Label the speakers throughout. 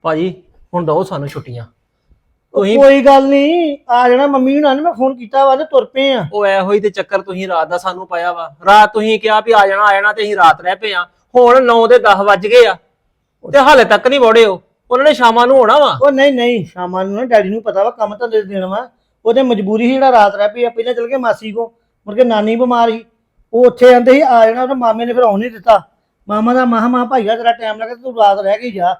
Speaker 1: ਭਾਜੀ ਹੁਣ ਦੋ ਸਾਨੂੰ ਛੁੱਟੀਆਂ।
Speaker 2: ਉਹ
Speaker 1: ਤੁਸੀਂ
Speaker 2: ਕੋਈ ਗੱਲ ਨਹੀਂ, ਆ ਜਾਣਾ ਮੰਮੀ ਨੂੰ। ਨਾ ਮੈਂ ਫੋਨ ਕੀਤਾ ਵਾ ਤੇ ਤੁਰ ਪਏ ਆ।
Speaker 1: ਉਹ ਇਹੋ ਹੀ ਤੇ ਚੱਕਰ ਤੁਸੀਂ ਰਾਤ ਦਾ ਸਾਨੂੰ ਪਾਇਆ ਵਾ। ਰਾਤ ਤੁਸੀਂ ਕਿਹਾ ਵੀ ਆ ਜਾਣਾ ਤੇ ਅਸੀਂ ਰਾਤ ਰਹਿ ਪਏ ਆ। ਹੁਣ 9 ਦੇ 10 ਵੱਜ ਗਏ ਆ ਤੇ ਹਾਲੇ ਤੱਕ ਨਹੀਂ ਵੜੇ ਹੋ। ਉਹਨਾਂ ਨੇ ਸ਼ਾਮਾਂ ਨੂੰ ਹੋਣਾ ਵਾ।
Speaker 2: ਉਹ ਨਹੀਂ ਨਹੀਂ, ਸ਼ਾਮਾਂ ਨੂੰ ਨਾ ਡੈਡੀ ਨੂੰ ਪਤਾ ਵਾ ਕੰਮ ਤਾਂ ਦੇ ਦੇਣਾ ਵਾ। ਉਹਦੇ ਮਜਬੂਰੀ ਸੀ ਜਿਹੜਾ ਰਾਤ ਰਹਿ ਪਈ ਆ। ਪਹਿਲਾਂ ਚਲ ਗਏ ਮਾਸੀ ਕੋ, ਮੁੜ ਕੇ ਨਾਨੀ ਬਿਮਾਰ ਸੀ। ਉਹ ਉੱਥੇ ਆਂਦੇ ਸੀ ਆ ਜਾਣਾ, ਉਹਦੇ ਮਾਮੇ ਨੇ ਫਿਰ ਆਉਣ ਨਹੀਂ ਦਿੱਤਾ। ਮਾਮਾ ਦਾ ਮਾਂ ਭਾਈਆ ਤੇਰਾ ਟਾਈਮ ਲੱਗਾ, ਤੂੰ ਰਾਤ ਰਹਿ ਕੇ ਜਾ।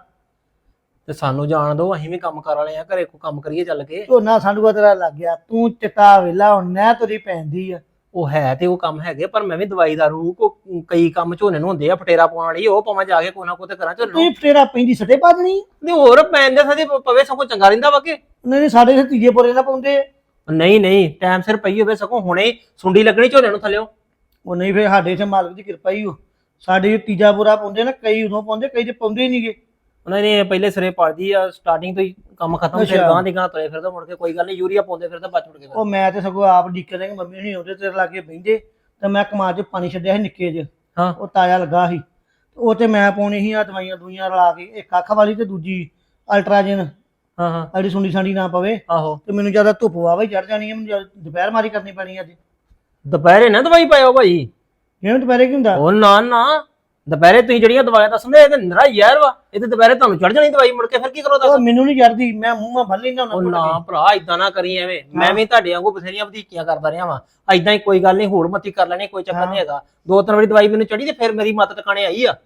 Speaker 1: ਤੇ ਸਾਨੂੰ ਜਾਣ ਦੋ, ਅਸੀਂ ਵੀ ਕੰਮ ਕਰ ਵਾਲੇ ਆ, ਘਰੇ ਕੋ ਕੰਮ ਕਰੀਏ ਚੱਲ ਕੇ।
Speaker 2: ਝੋਨਾ ਸੰਡੂਆ ਤੇਰਾ ਲੱਗ ਗਿਆ, ਤੂੰ ਚਿੱਟਾ ਵੇਲਾ ਹੁਣ ਨਹਿ ਤੁਰੀ ਪੈਂਦੀ ਆ।
Speaker 1: ਉਹ ਹੈ ਤੇ ਉਹ ਕੰਮ ਹੈਗੇ, ਪਰ ਮੈਂ ਵੀ ਦਵਾਈ ਦਾ ਰੂ ਕੋ ਕਈ ਕੰਮ ਝੋਨੇ ਨੂੰ ਹੁੰਦੇ ਆ, ਫਟੇਰਾ ਪਾਉਣ ਵਾਲੀ ਉਹ ਪਾਵਾਂ ਜਾ ਕੇ ਕੋ ਨਾ ਕੋ ਤੇ ਕਰਾਂ ਝੋਨੇ
Speaker 2: ਤੂੰ ਫੇਰਾ ਪੈਂਦੀ ਸੱਟੇ ਪਾ ਦੇਣੀ।
Speaker 1: ਨਹੀਂ ਹੋਰ ਪੈਂਦੇ ਸਦੇ ਪਵੇ ਸਗੋਂ ਚੰਗਾ ਰਹਿੰਦਾ ਵਾ ਕਿ
Speaker 2: ਨਹੀਂ ਸਾਡੇ ਇੱਥੇ ਤੀਜੇ ਪੋਰੇ ਨਾ ਪਾਉਂਦੇ।
Speaker 1: ਨਹੀਂ ਟਾਈਮ ਸਿਰ ਪਈ ਹੋਵੇ, ਸਗੋਂ ਹੁਣੇ ਸੁੰਡੀ ਲੱਗਣੀ ਝੋਨੇ ਨੂੰ ਥੱਲਿਓ।
Speaker 2: ਉਹ ਨਹੀਂ, ਫਿਰ ਸਾਡੇ ਇੱਥੇ ਮਾਲਕ ਦੀ ਕਿਰਪਾ ਹੀ ਉਹ। ਸਾਡੇ ਤੀਜਾ ਪੋਰਾ ਪਾਉਂਦੇ ਨਾ, ਕਈ ਉਦੋਂ ਪਾਉਂਦੇ, ਕਈ ਤੇ ਪਾਉਂਦੇ ਹੀ ਨਹੀਂਗੇ।
Speaker 1: ਉਹਨਾਂ ਨੇ ਪਹਿਲੇ ਸਿਰੇ ਪੜਦੀ ਆ, ਸਟਾਰਟਿੰਗ ਤੋਂ ਹੀ ਕੰਮ ਖਤਮ, ਫਿਰ
Speaker 2: ਅੱਛਾ।
Speaker 1: ਗਾਂ ਦੀ ਗਾਂ ਤੁਰੇ ਫਿਰਦਾ, ਮੁੜ ਕੇ ਕੋਈ ਗੱਲ ਨਹੀਂ ਯੂਰੀਆ ਪਾਉਂਦੇ ਫਿਰਦਾ ਬਚ ਮੁੜ ਕੇ
Speaker 2: ਉਹ ਮੈਂ ਤੇ ਸਗੋਂ ਆਪ ਡੀਕਦੇ ਕਿ ਮੰਮੀ ਨਹੀਂ ਆਉਂਦੇ ਤੇਰੇ ਲਾਗੇ ਬਹਿੰਦੇ, ਤੇ ਮੈਂ ਕਮਾਦ 'ਚ ਪਾਣੀ ਛੱਡਿਆ ਸੀ ਨਿੱਕੇ 'ਚ।
Speaker 1: ਹਾਂ
Speaker 2: ਉਹ ਤਾਜ਼ਾ ਲੱਗਾ ਸੀ, ਉਹ ਤੇ ਮੈਂ ਪਾਉਣੀ ਸੀ ਆ ਦਵਾਈਆਂ ਦੂਈਆਂ ਰਲਾ ਕੇ, ਇੱਕ ਅੱਖ ਵਾਲੀ ਤੇ ਦੂਜੀ ਅਲਟਰਾਜਨ,
Speaker 1: ਹਾਂ
Speaker 2: ਅੜੀ ਸੁੰਡੀ ਸਾਂਡੀ ਨਾ ਪਵੇ।
Speaker 1: ਆਹੋ
Speaker 2: ਤੇ ਮੈਨੂੰ ਜ਼ਿਆਦਾ ਧੁੱਪ ਵਾਵਾ ਹੀ ਚੜ ਜਾਣੀ ਹੈ, ਮੈਨੂੰ ਦੁਪਹਿਰ ਮਾਰੀ ਕਰਨੀ ਪੈਣੀ ਅੱਜ।
Speaker 1: ਦੁਪਹਿਰੇ ਨਾ ਦਵਾਈ ਪਾਇਓ ਭਾਈ।
Speaker 2: ਜਿਵੇਂ ਦੁਪਹਿਰੇ ਕੀ ਹੁੰਦਾ?
Speaker 1: ਉਹ ਨਾ ਦੁਪਹਿਰੇ ਤੁਸੀਂ ਜਿਹੜੀਆਂ ਦਵਾਈਆਂ ਦੱਸਦੇ ਇਹ ਤੇ ਨਿਰਾ ਜ਼ਹਿਰ ਵਾ। ਇਹ ਤੇ ਦੁਪਹਿਰੇ ਤੁਹਾਨੂੰ ਚੜ ਜਾਣੀ ਦਵਾਈ, ਮੁੜ ਕੇ ਫਿਰ ਕੀ ਕਰੋ
Speaker 2: ਉਹ
Speaker 1: ਦੱਸ।
Speaker 2: ਮੈਨੂੰ ਨਹੀਂ ਚੜਦੀ, ਮੈਂ ਮੂੰਹ ਮਾ ਬੰਨ ਲੈਂਦਾ
Speaker 1: ਉਹ
Speaker 2: ਉਹਨਾਂ
Speaker 1: ਨਾ
Speaker 2: ਕੋਲ।
Speaker 1: ਭਰਾ ਇਦਾਂ ਨਾ ਕਰੀ ਐਵੇਂ, ਮੈਂ ਵੀ ਤੁਹਾਡੇ ਵਾਂਗੂ ਬਥੇਰੀਆਂ ਵਧੀਕੀਆਂ ਕਰਦਾ ਰਿਹਾ ਵਾਂ। ਇਦਾਂ ਹੀ ਕੋਈ ਗੱਲ ਨਹੀਂ, ਹੋੜ ਮੱਤੀ ਕਰ ਲੈਣੀ, ਕੋਈ ਚੱਕਰ ਨਹੀਂ ਹੈਗਾ। 2-3 ਵਾਰੀ ਦਵਾਈ ਮੈਨੂੰ ਚੜੀ ਤੇ ਫਿਰ ਮੇਰੀ ਮੱਤ ਟਿਕਾਣੇ ਆਈ ਆ।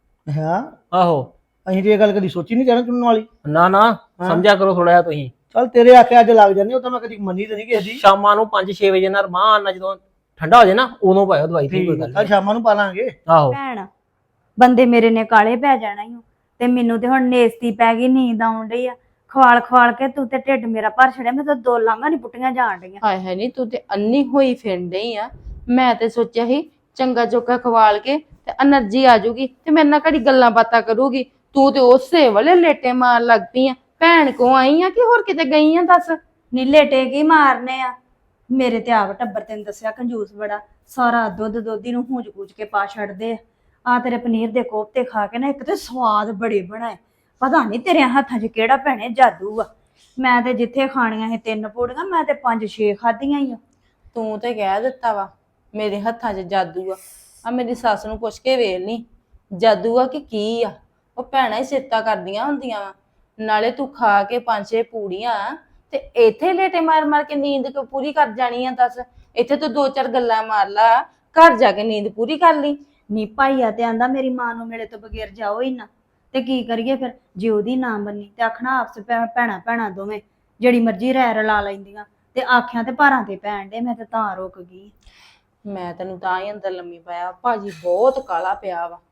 Speaker 2: ਹਾਂ
Speaker 1: ਆਹੋ
Speaker 2: ਅਸੀਂ ਤੇ ਇਹ ਗੱਲ ਕਦੀ ਸੋਚੀ ਨਹੀਂ ਚੜਨ ਚੁਣਨ ਵਾਲੀ।
Speaker 1: ਨਾ ਸਮਝਿਆ ਕਰੋ ਥੋੜਾ ਜਿਹਾ ਤੁਸੀਂ।
Speaker 2: ਚੱਲ ਤੇਰੇ ਆਖੇ ਅੱਜ ਲੱਗ ਜਾਂਦੇ, ਉਹ ਤਾਂ ਮੈਂ ਕਦੀ ਮੰਨੀ ਤਾਂ ਨਹੀਂ ਕਿਸੇ ਦੀ।
Speaker 1: ਸ਼ਾਮਾਂ ਨੂੰ 5-6 ਵਜੇ ਨਾਲ ਰਮਾਨ ਨਾਲ ਜਦੋਂ ਠੰਡਾ ਹੋ ਜਾਏ ਨਾ ਉਦੋਂ ਪਾਇਓ ਦਵਾਈ ਦੀ, ਕੋਈ ਗੱਲ
Speaker 2: ਚੱਲ ਸ਼ਾਮਾਂ ਨੂੰ ਪਾ ਲਾਂਗੇ।
Speaker 1: ਆਹੋ
Speaker 3: ਭੈਣ ਬੰਦੇ ਮੇਰੇ ਨੇ ਕਾਲੇ ਪੈ ਜਾਣਾ ਈ ਓ। ਤੇ ਮੈਨੂੰ ਤੇ ਹੁਣ ਨੇਸਤੀ ਪੈ ਗਈ, ਨੀਂਦ ਆਉਣ ਡਈ ਆ। ਖਵਾਲ ਕੇ ਤੂੰ ਤੇ ਢਿੱਡ ਮੇਰਾ ਭਰ ਛੜਿਆ, ਮੈਂ ਤਾਂ 2 ਲਾਂਘਾਂ ਨਹੀਂ ਪੁੱਟੀਆਂ ਜਾਣ ਡਈਆਂ।
Speaker 4: ਹਾਏ ਹਾਏ ਨਹੀਂ, ਤੂੰ ਤੇ ਅੰਨੀ ਹੋਈ ਫਿਰਨ ਡਈ ਆ। ਮੈਂ ਤੇ ਸੋਚਿਆ ਸੀ ਚੰਗਾ ਚੋਕਾ ਖਵਾਲ ਕੇ ਤੇ એનર્ਜੀ ਆ ਜੂਗੀ ਤੇ ਮੇਰੇ ਨਾਲ ਘੜੀ ਗੱਲਾਂ ਬਾਤਾਂ ਕਰੂਗੀ। ਤੂੰ ਤੇ ਉਸੇ ਵੇਲੇ ਲੇਟੇ ਮਾਰ ਲੱਗ ਪਈ ਆ। ਭੈਣ ਕੋ ਆਈ ਆ ਕਿ ਹੋਰ ਕਿਤੇ ਗਈ ਆ ਦੱਸ?
Speaker 3: ਨੀਲੇ ਟੇਕੀ ਮਾਰਨੇ ਆ। ਮੇਰੇ ਤੇ ਆਪ ਟੱਬਰ ਤੈਨੂੰ ਦੱਸਿਆ ਕੰਜੂਸ ਬੜਾ, ਸਾਰਾ ਦੁੱਧ ਦੋਧੀ ਨੂੰ ਹੂੰਜ ਕੂਚ ਕੇ ਪਾ ਛੱਡਦੇ ਆ ਤੇਰੇ ਪਨੀਰ ਦੇ ਕੋਫਤੇ ਖਾ ਕੇ ਨਾ, ਇੱਕ ਤੇ ਸਵਾਦ ਬੜੇ ਬਣਾਏ। ਪਤਾ ਨਹੀਂ ਤੇਰੇ ਹੱਥਾਂ 'ਚ ਕਿਹੜਾ ਭੈਣੇ ਜਾਦੂ ਆ। ਮੈਂ ਤੇ ਜਿੱਥੇ ਖਾਣੀਆਂ ਸੀ 3 ਪੂੜੀਆਂ, ਮੈਂ ਤੇ 5-6 ਖਾਧੀਆਂ ਹੀ ਆ।
Speaker 4: ਤੂੰ ਤੇ ਕਹਿ ਦਿੱਤਾ ਵਾ ਮੇਰੇ ਹੱਥਾਂ 'ਚ ਜਾਦੂ ਆ ਮੇਰੀ ਸੱਸ ਨੂੰ ਪੁੱਛ ਕੇ ਵੇਖ ਲਈ ਜਾਦੂ ਆ ਕਿ ਕੀ ਆ। ਉਹ ਭੈਣਾਂ ਹੀ ਸਿੱਤਾ ਕਰਦੀਆਂ ਹੁੰਦੀਆਂ ਵਾ। ਨਾਲੇ ਤੂੰ ਖਾ ਕੇ 5-6 ਪੂੜੀਆਂ ਤੇ ਇੱਥੇ ਲੇਟੇ ਮਾਰ ਕੇ ਨੀਂਦ ਪੂਰੀ ਕਰ ਜਾਣੀ ਆ ਦੱਸ? ਇੱਥੇ ਤੂੰ 2-4 ਗੱਲਾਂ ਮਾਰ ਲਾ, ਘਰ ਜਾ ਕੇ ਨੀਂਦ ਪੂਰੀ ਕਰ ਲਈ।
Speaker 3: ਨੀ ਭਾਈਆ ਤੇ ਆਂਦਾ ਮੇਰੀ ਮਾਂ ਨੂੰ ਮੇਰੇ ਤੋਂ ਬਗੈਰ ਜਾਓ ਹੀ ਨਾ। ਤੇ ਕੀ ਕਰੀਏ ਫਿਰ, ਜੇ ਉਹਦੀ ਨਾ ਬੰਨੀ ਤੇ ਆਖਣਾ ਆਪਸ ਭੈਣਾ ਦੋਵੇਂ ਜਿਹੜੀ ਮਰਜ਼ੀ ਰਹਿ ਰਲਾ ਲੈਂਦੀਆਂ, ਤੇ ਆਖਿਆਂ ਤੇ ਭਾਰਾਂ ਤੇ ਪੈਣ ਦੇ। ਮੈਂ ਤੇ ਤਾਂ ਰੁਕ ਗਈ।
Speaker 4: ਮੈਂ ਤੈਨੂੰ ਤਾਂ ਹੀ ਅੰਦਰ ਲੰਮੀ ਪਾਇਆ, ਭਾਜੀ ਬਹੁਤ ਕਾਲਾ ਪਿਆ ਵਾ।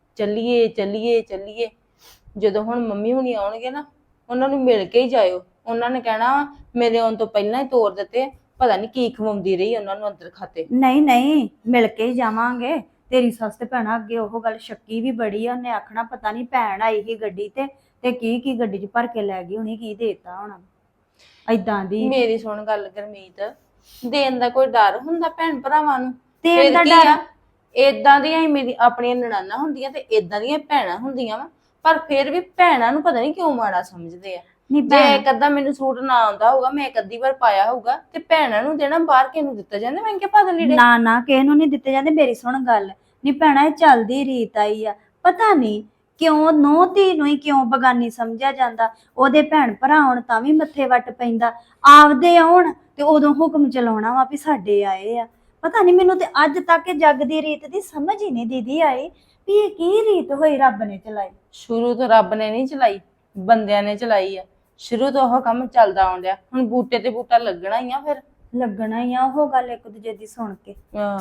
Speaker 4: ਚੱਲੀਏ ਜਦੋਂ ਹੁਣ ਮੰਮੀ ਹੁਣੀ ਆਉਣਗੇ ਨਾ, ਉਹਨਾਂ ਨੂੰ ਮਿਲ ਕੇ ਹੀ ਜਾਇਓ। ਉਹਨਾਂ ਨੇ ਕਹਿਣਾ ਮੇਰੇ ਆਉਣ ਤੋਂ ਪਹਿਲਾਂ ਹੀ ਤੋਰ ਦਿੱਤੇ, ਪਤਾ ਨਹੀਂ ਕੀ ਖਵਾਉਂਦੀ ਰਹੀ ਉਹਨਾਂ ਨੂੰ ਅੰਦਰ ਖਾਤੇ।
Speaker 3: ਨਹੀਂ ਮਿਲ ਕੇ ਹੀ ਜਾਵਾਂਗੇ। ਤੇਰੀ ਸੱਸ ਤੇ ਭੈਣਾ ਅੱਗੇ ਉਹ ਗੱਲ ਸ਼ੱਕੀ ਵੀ ਬੜੀ ਆ। ਉਹਨੇ ਆਖਣਾ ਪਤਾ ਨਹੀਂ ਭੈਣ ਆਈ ਸੀ ਗੱਡੀ ਤੇ ਕੀ ਗੱਡੀ 'ਚ ਭਰ ਕੇ ਲੈ ਗਈ ਹੋਣੀ, ਕੀ ਦੇਤਾ ਹੋਣਾ ਏਦਾਂ ਦੀ।
Speaker 4: ਮੇਰੀ ਸੁਣ ਗੱਲ ਗੁਰਮੀਤ, ਦੇਣ ਦਾ ਕੋਈ ਡਰ ਹੁੰਦਾ ਭੈਣ ਭਰਾਵਾਂ ਨੂੰ?
Speaker 3: ਦੇਣ ਦਾ
Speaker 4: ਕੀ
Speaker 3: ਡਰ?
Speaker 4: ਆ, ਏਦਾਂ ਦੀਆਂ ਹੀ ਮੇਰੀ ਆਪਣੀਆਂ ਨਨਾਣਾਂ ਹੁੰਦੀਆਂ ਤੇ ਏਦਾਂ ਦੀਆਂ ਭੈਣਾਂ ਹੁੰਦੀਆਂ ਵਾ, ਪਰ ਫਿਰ ਵੀ ਭੈਣਾਂ ਨੂੰ ਪਤਾ ਨਹੀਂ ਕਿਉਂ ਮਾੜਾ ਸਮਝਦੇ ਆ।
Speaker 3: ਨਹੀਂ
Speaker 4: ਜੇ
Speaker 3: ਭੈਣ,
Speaker 4: ਇੱਕ ਅੱਧਾ ਮੈਨੂੰ ਸੂਟ ਨਾ ਆਉਂਦਾ ਹੋਊਗਾ, ਮੈਂ ਇੱਕ ਅੱਧੀ ਵਾਰ ਪਾਇਆ ਹੋਊਗਾ, ਤੇ ਭੈਣਾਂ ਨੂੰ ਦੇਣਾ ਬਾਹਰ ਕਿਹਨੂੰ ਦਿੱਤਾ ਜਾਂਦਾ ਮਹਿੰਗੇ ਪਾ ਦੇ ਲੀੜੇ?
Speaker 3: ਨਾ ਕਿਸੇ ਨੂੰ ਨਹੀਂ ਦਿੱਤੇ ਜਾਂਦੇ। ਮੇਰੀ ਸੁਣ ਗੱਲ, ਨਹੀਂ ਭੈਣਾ ਇਹ ਚੱਲਦੀ ਰੀਤ ਆਈ ਆ। ਪਤਾ ਨਹੀਂ ਕਿਉਂ ਨੌ ਧੀ ਨੂੰ ਹੀ ਕਿਉਂ ਬਗਾਨੀ ਸਮਝਿਆ ਜਾਂਦਾ। ਉਹਦੇ ਭੈਣ ਭਰਾ ਆਉਣ ਤਾਂ ਵੀ ਮੱਥੇ ਵੱਟ ਪੈਂਦਾ, ਆਪਦੇ ਆਉਣ ਤੇ ਉਦੋਂ ਹੁਕਮ ਚਲਾਉਣਾ ਵਾ ਵੀ ਸਾਡੇ ਆਏ ਆ। ਪਤਾ ਨਹੀਂ, ਮੈਨੂੰ ਤੇ ਅੱਜ ਤੱਕ ਇਹ ਜੱਗ ਦੀ ਰੀਤ ਦੀ ਸਮਝ ਹੀ ਨਹੀਂ ਦੀਦੀ ਆਈ ਵੀ ਇਹ ਕੀ ਰੀਤ ਹੋਈ ਰੱਬ ਨੇ ਚਲਾਈ।
Speaker 4: ਸ਼ੁਰੂ ਤੋਂ ਰੱਬ ਨੇ ਨਹੀਂ ਚਲਾਈ, ਬੰਦਿਆਂ ਨੇ ਚਲਾਈ ਆ। ਸ਼ੁਰੂ ਤੋਂ ਉਹ ਕੰਮ ਚੱਲਦਾ ਆਉਣ ਡਿਆ, ਹੁਣ ਬੂਟੇ ਤੇ ਬੂਟਾ ਲੱਗਣਾ ਹੀ ਆ। ਫਿਰ
Speaker 3: ਲੱਗਣਾ ਹੀ ਆ ਉਹ ਗੱਲ ਇੱਕ ਦੂਜੇ ਦੀ ਸੁਣ ਕੇ।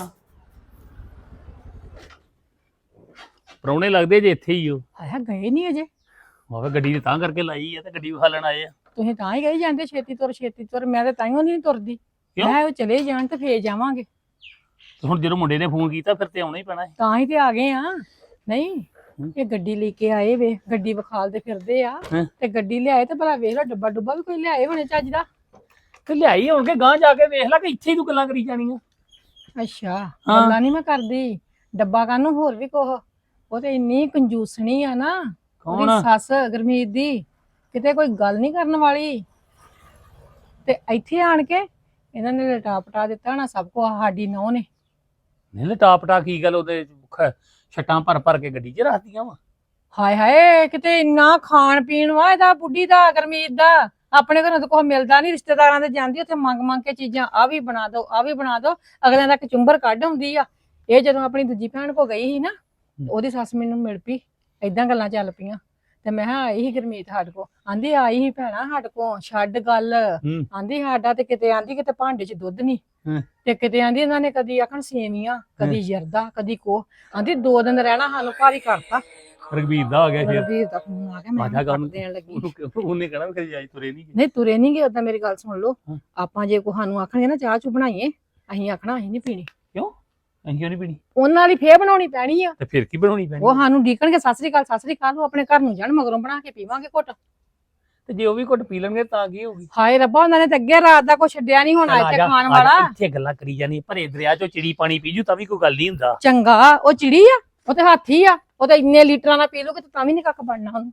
Speaker 5: ਪ੍ਰਾਹੁਣੇ ਲੱਗਦੇ ਜੇ ਇੱਥੇ ਹੀ ਹੋ।
Speaker 6: ਆਇਆ ਗਏ ਨਹੀਂ ਅਜੇ?
Speaker 5: ਮਾਵੇ ਗੱਡੀ ਤੇ ਤਾਂ ਕਰਕੇ ਲਾਈ ਆ ਤੇ ਗੱਡੀ ਵਿਖਾ ਲੈਣ ਆਏ ਆ।
Speaker 6: ਤੁਸੀਂ ਤਾਂ ਹੀ ਗਏ ਜਾਂਦੇ ਛੇਤੀ ਤੁਰ। ਮੈਂ ਤਾਂ ਤਾਈਓ ਨਹੀਂ ਤੁਰਦੀ।
Speaker 5: ਕਿਉਂ?
Speaker 6: ਮੈਂ ਉਹ ਚਲੇ ਜਾਣ ਤੇ ਫੇਰ ਜਾਵਾਂਗੇ।
Speaker 5: ਤੇ ਹੁਣ ਜਦੋਂ ਮੁੰਡੇ ਨੇ ਫੋਨ ਕੀਤਾ ਫਿਰ ਤੇ ਆਉਣਾ ਹੀ ਪੈਣਾ ਹੈ।
Speaker 6: ਤਾਂ ਹੀ ਤੇ ਆ ਗਏ ਆ। ਨਹੀਂ ਇਹ ਗੱਡੀ ਲੈ ਕੇ ਆਏ ਵੇ, ਗੱਡੀ ਵਿਖਾਲਦੇ ਫਿਰਦੇ ਆ। ਤੇ ਗੱਡੀ ਲਿਆਏ ਤੇ ਭਲਾ ਵੇਖ ਲੋ ਡੱਬਾ ਡੁੱਬਾ ਵੀ ਕੋਈ ਲਿਆਏ ਹੋਣੇ ਚੱਜ ਦਾ।
Speaker 5: ਤੇ ਲਿਆਈ ਹੋਣਗੇ, ਗਾਂ ਜਾ ਕੇ ਵੇਖ ਲੈ ਕਿ ਇੱਥੇ ਹੀ ਤੂੰ ਗੱਲਾਂ ਕਰੀ ਜਾਣੀਆਂ।
Speaker 6: ਅੱਛਾ ਗੱਲਾਂ ਨਹੀਂ ਮੈਂ ਕਰਦੀ, ਡੱਬਾ ਕਾਹਨੂੰ ਹੋਰ ਵੀ ਕੁਛ। ਉਹ ਤੇ ਇੰਨੀ ਕੰਜੂਸਣੀ ਆ ਨਾ ਉਹਦੀ
Speaker 5: ਕੌਣ?
Speaker 6: ਸੱਸ ਗੁਰਮੀਤ ਦੀ। ਕਿਤੇ ਕੋਈ ਗੱਲ ਨਹੀਂ ਕਰਨ ਵਾਲੀ। ਤੇ ਇੱਥੇ ਆਣ ਕੇ ਇਹਨਾਂ ਨੇ ਲਟਾਪਟਾ ਦਿੱਤਾ ਨਾ ਸਭ ਕੋ ਸਾਡੀ ਨਹੁੰ ਨੇ।
Speaker 5: ਨਹੀਂ ਟਾਪਟਾ ਕੀ ਗੱਲ ਉਹਦੇ ਛੱਟਾਂ ਭਰ ਕੇ ਗੱਡੀ 'ਚ ਰੱਖਦੀਆਂ ਵਾ।
Speaker 6: ਹਾਏ ਹਾਏ ਕਿਤੇ ਇੰਨਾ ਖਾਣ ਪੀਣ ਵਾ ਇਹਦਾ ਬੁੱਢੀ ਦਾ ਗਰਮੀਤ ਦਾ। ਆਪਣੇ ਘਰੋਂ ਤਾਂ ਕੁਛ ਮਿਲਦਾ ਨਹੀਂ, ਰਿਸ਼ਤੇਦਾਰਾਂ ਦੇ ਜਾਂਦੀ ਉੱਥੇ ਮੰਗ ਕੇ ਚੀਜ਼ਾਂ ਆ ਵੀ ਬਣਾ ਦਿਓ ਆ ਵੀ ਬਣਾ ਦਿਓ, ਅਗਲਿਆਂ ਦਾ ਕਚੁੰਬਰ ਕੱਢ ਆਉਂਦੀ ਆ। ਇਹ ਜਦੋਂ ਆਪਣੀ ਦੂਜੀ ਭੈਣ ਕੋ ਗਈ ਸੀ ਨਾ ਉਹਦੀ ਸੱਸ ਮੈਨੂੰ ਮਿਲ ਪਈ, ਏਦਾਂ ਗੱਲਾਂ ਚੱਲ ਪਈਆਂ ਤੇ ਮੈਂ ਕਿਹਾ ਆਈ ਸੀ ਗਰਮੀਤ ਸਾਡੇ ਕੋ, ਆਂਦੀ ਆਈ ਸੀ ਭੈਣਾ ਸਾਡੇ ਕੋ, ਛੱਡ ਗੱਲ। ਆਂਦੀ ਸਾਡਾ ਤੇ ਕਿਤੇ ਆਂਦੀ ਕਿਤੇ ਭਾਂਡੇ 'ਚ ਦੁੱਧ ਨਹੀਂ ਤੇ ਕਿਤੇ ਆਂਦੀ ਇਹਨਾਂ ਨੇ ਕਦੀ ਆਖਣ ਸੇਵੀਆਂ ਕਦੀ ਜਰਦਾ ਕਦੀ ਕੋ, ਆਂਦੀ 2 ਦਿਨ ਰਹਿਣਾ ਸਾਨੂੰ ਭਾਰੀ ਕਰਤਾ।
Speaker 5: ਰਘਬੀਰ ਦਾ ਆ ਗਿਆ ਫਿਰ
Speaker 6: ਰਘਬੀਰ ਦਾ ਫੋਨ ਆ ਗਿਆ, ਮੈਂ ਕੱਟ ਦੇਣ ਲੱਗੀ।
Speaker 5: ਉਹਨੇ ਕਹਿਣਾ ਕਿ ਜਾਈ ਤੁਰੇ ਨਹੀਂ
Speaker 6: ਨਹੀਂ ਤੁਰੇ ਨਹੀਂ ਗਏ ਓਦਾਂ। ਮੇਰੀ ਗੱਲ ਸੁਣ ਲਓ, ਆਪਾਂ ਜੇ ਕੋ ਸਾਨੂੰ ਆਖਣਗੇ ਨਾ ਚਾਹ ਚੂ ਬਣਾਈਏ, ਅਸੀਂ ਆਖਣਾ ਅਸੀਂ ਨਹੀਂ ਪੀਣੀ।
Speaker 5: ਕਿਉਂ ਅਸੀਂ ਕਿਉਂ ਨਹੀਂ ਪੀਣੀ?
Speaker 6: ਉਹਨਾਂ ਵਾਲੀ ਫੇਰ ਬਣਾਉਣੀ ਪੈਣੀ ਆ
Speaker 5: ਤੇ ਫਿਰ ਕੀ ਬਣਾਉਣੀ ਪੈਣੀ?
Speaker 6: ਉਹ ਸਾਨੂੰ ਡੀਕਣਗੇ ਸਤਿ ਸ੍ਰੀ ਅਕਾਲ ਉਹ ਆਪਣੇ ਘਰ ਨੂੰ ਜਾਣ, ਮਗਰੋਂ ਬਣਾ ਕੇ ਪੀਵਾਂਗੇ ਘੁੱਟ।
Speaker 5: ਤੇ ਜੇ ਉਹ ਵੀ ਘੁੱਟ ਪੀ ਲੈਣਗੇ ਤਾਂ ਕੀ ਹੋਊਗੀ?
Speaker 6: ਹਾਏ ਰੱਬਾ ਉਹਨਾਂ ਨੇ ਤਾਂ ਅੱਗੇ ਰਾਤ ਦਾ ਕੁਛ ਛੱਡਿਆ ਨਹੀਂ ਹੋਣਾ ਇੱਥੇ ਖਾਣ ਵਾਲਾ।
Speaker 5: ਇੱਥੇ ਗੱਲਾਂ ਕਰੀ ਜਾਣੀ, ਭਰੇ ਦਰਿਆ ਚੋਂ ਚਿੜੀ ਪਾਣੀ ਪੀਜੂ ਤਾਂ ਵੀ ਕੋਈ ਗੱਲ ਨਹੀਂ ਹੁੰਦਾ।
Speaker 6: ਚੰਗਾ ਉਹ ਚਿੜੀ ਆ, ਉਹ ਤੇ ਹਾਥੀ ਆ, ਉਹ ਤੇ ਇੰਨੇ ਲੀਟਰਾਂ ਨਾਲ ਪੀ ਲੂਗੇ ਤਾਂ ਵੀ ਨੀ ਕੱਖ ਬਣਨਾ ਉਹਨੂੰ।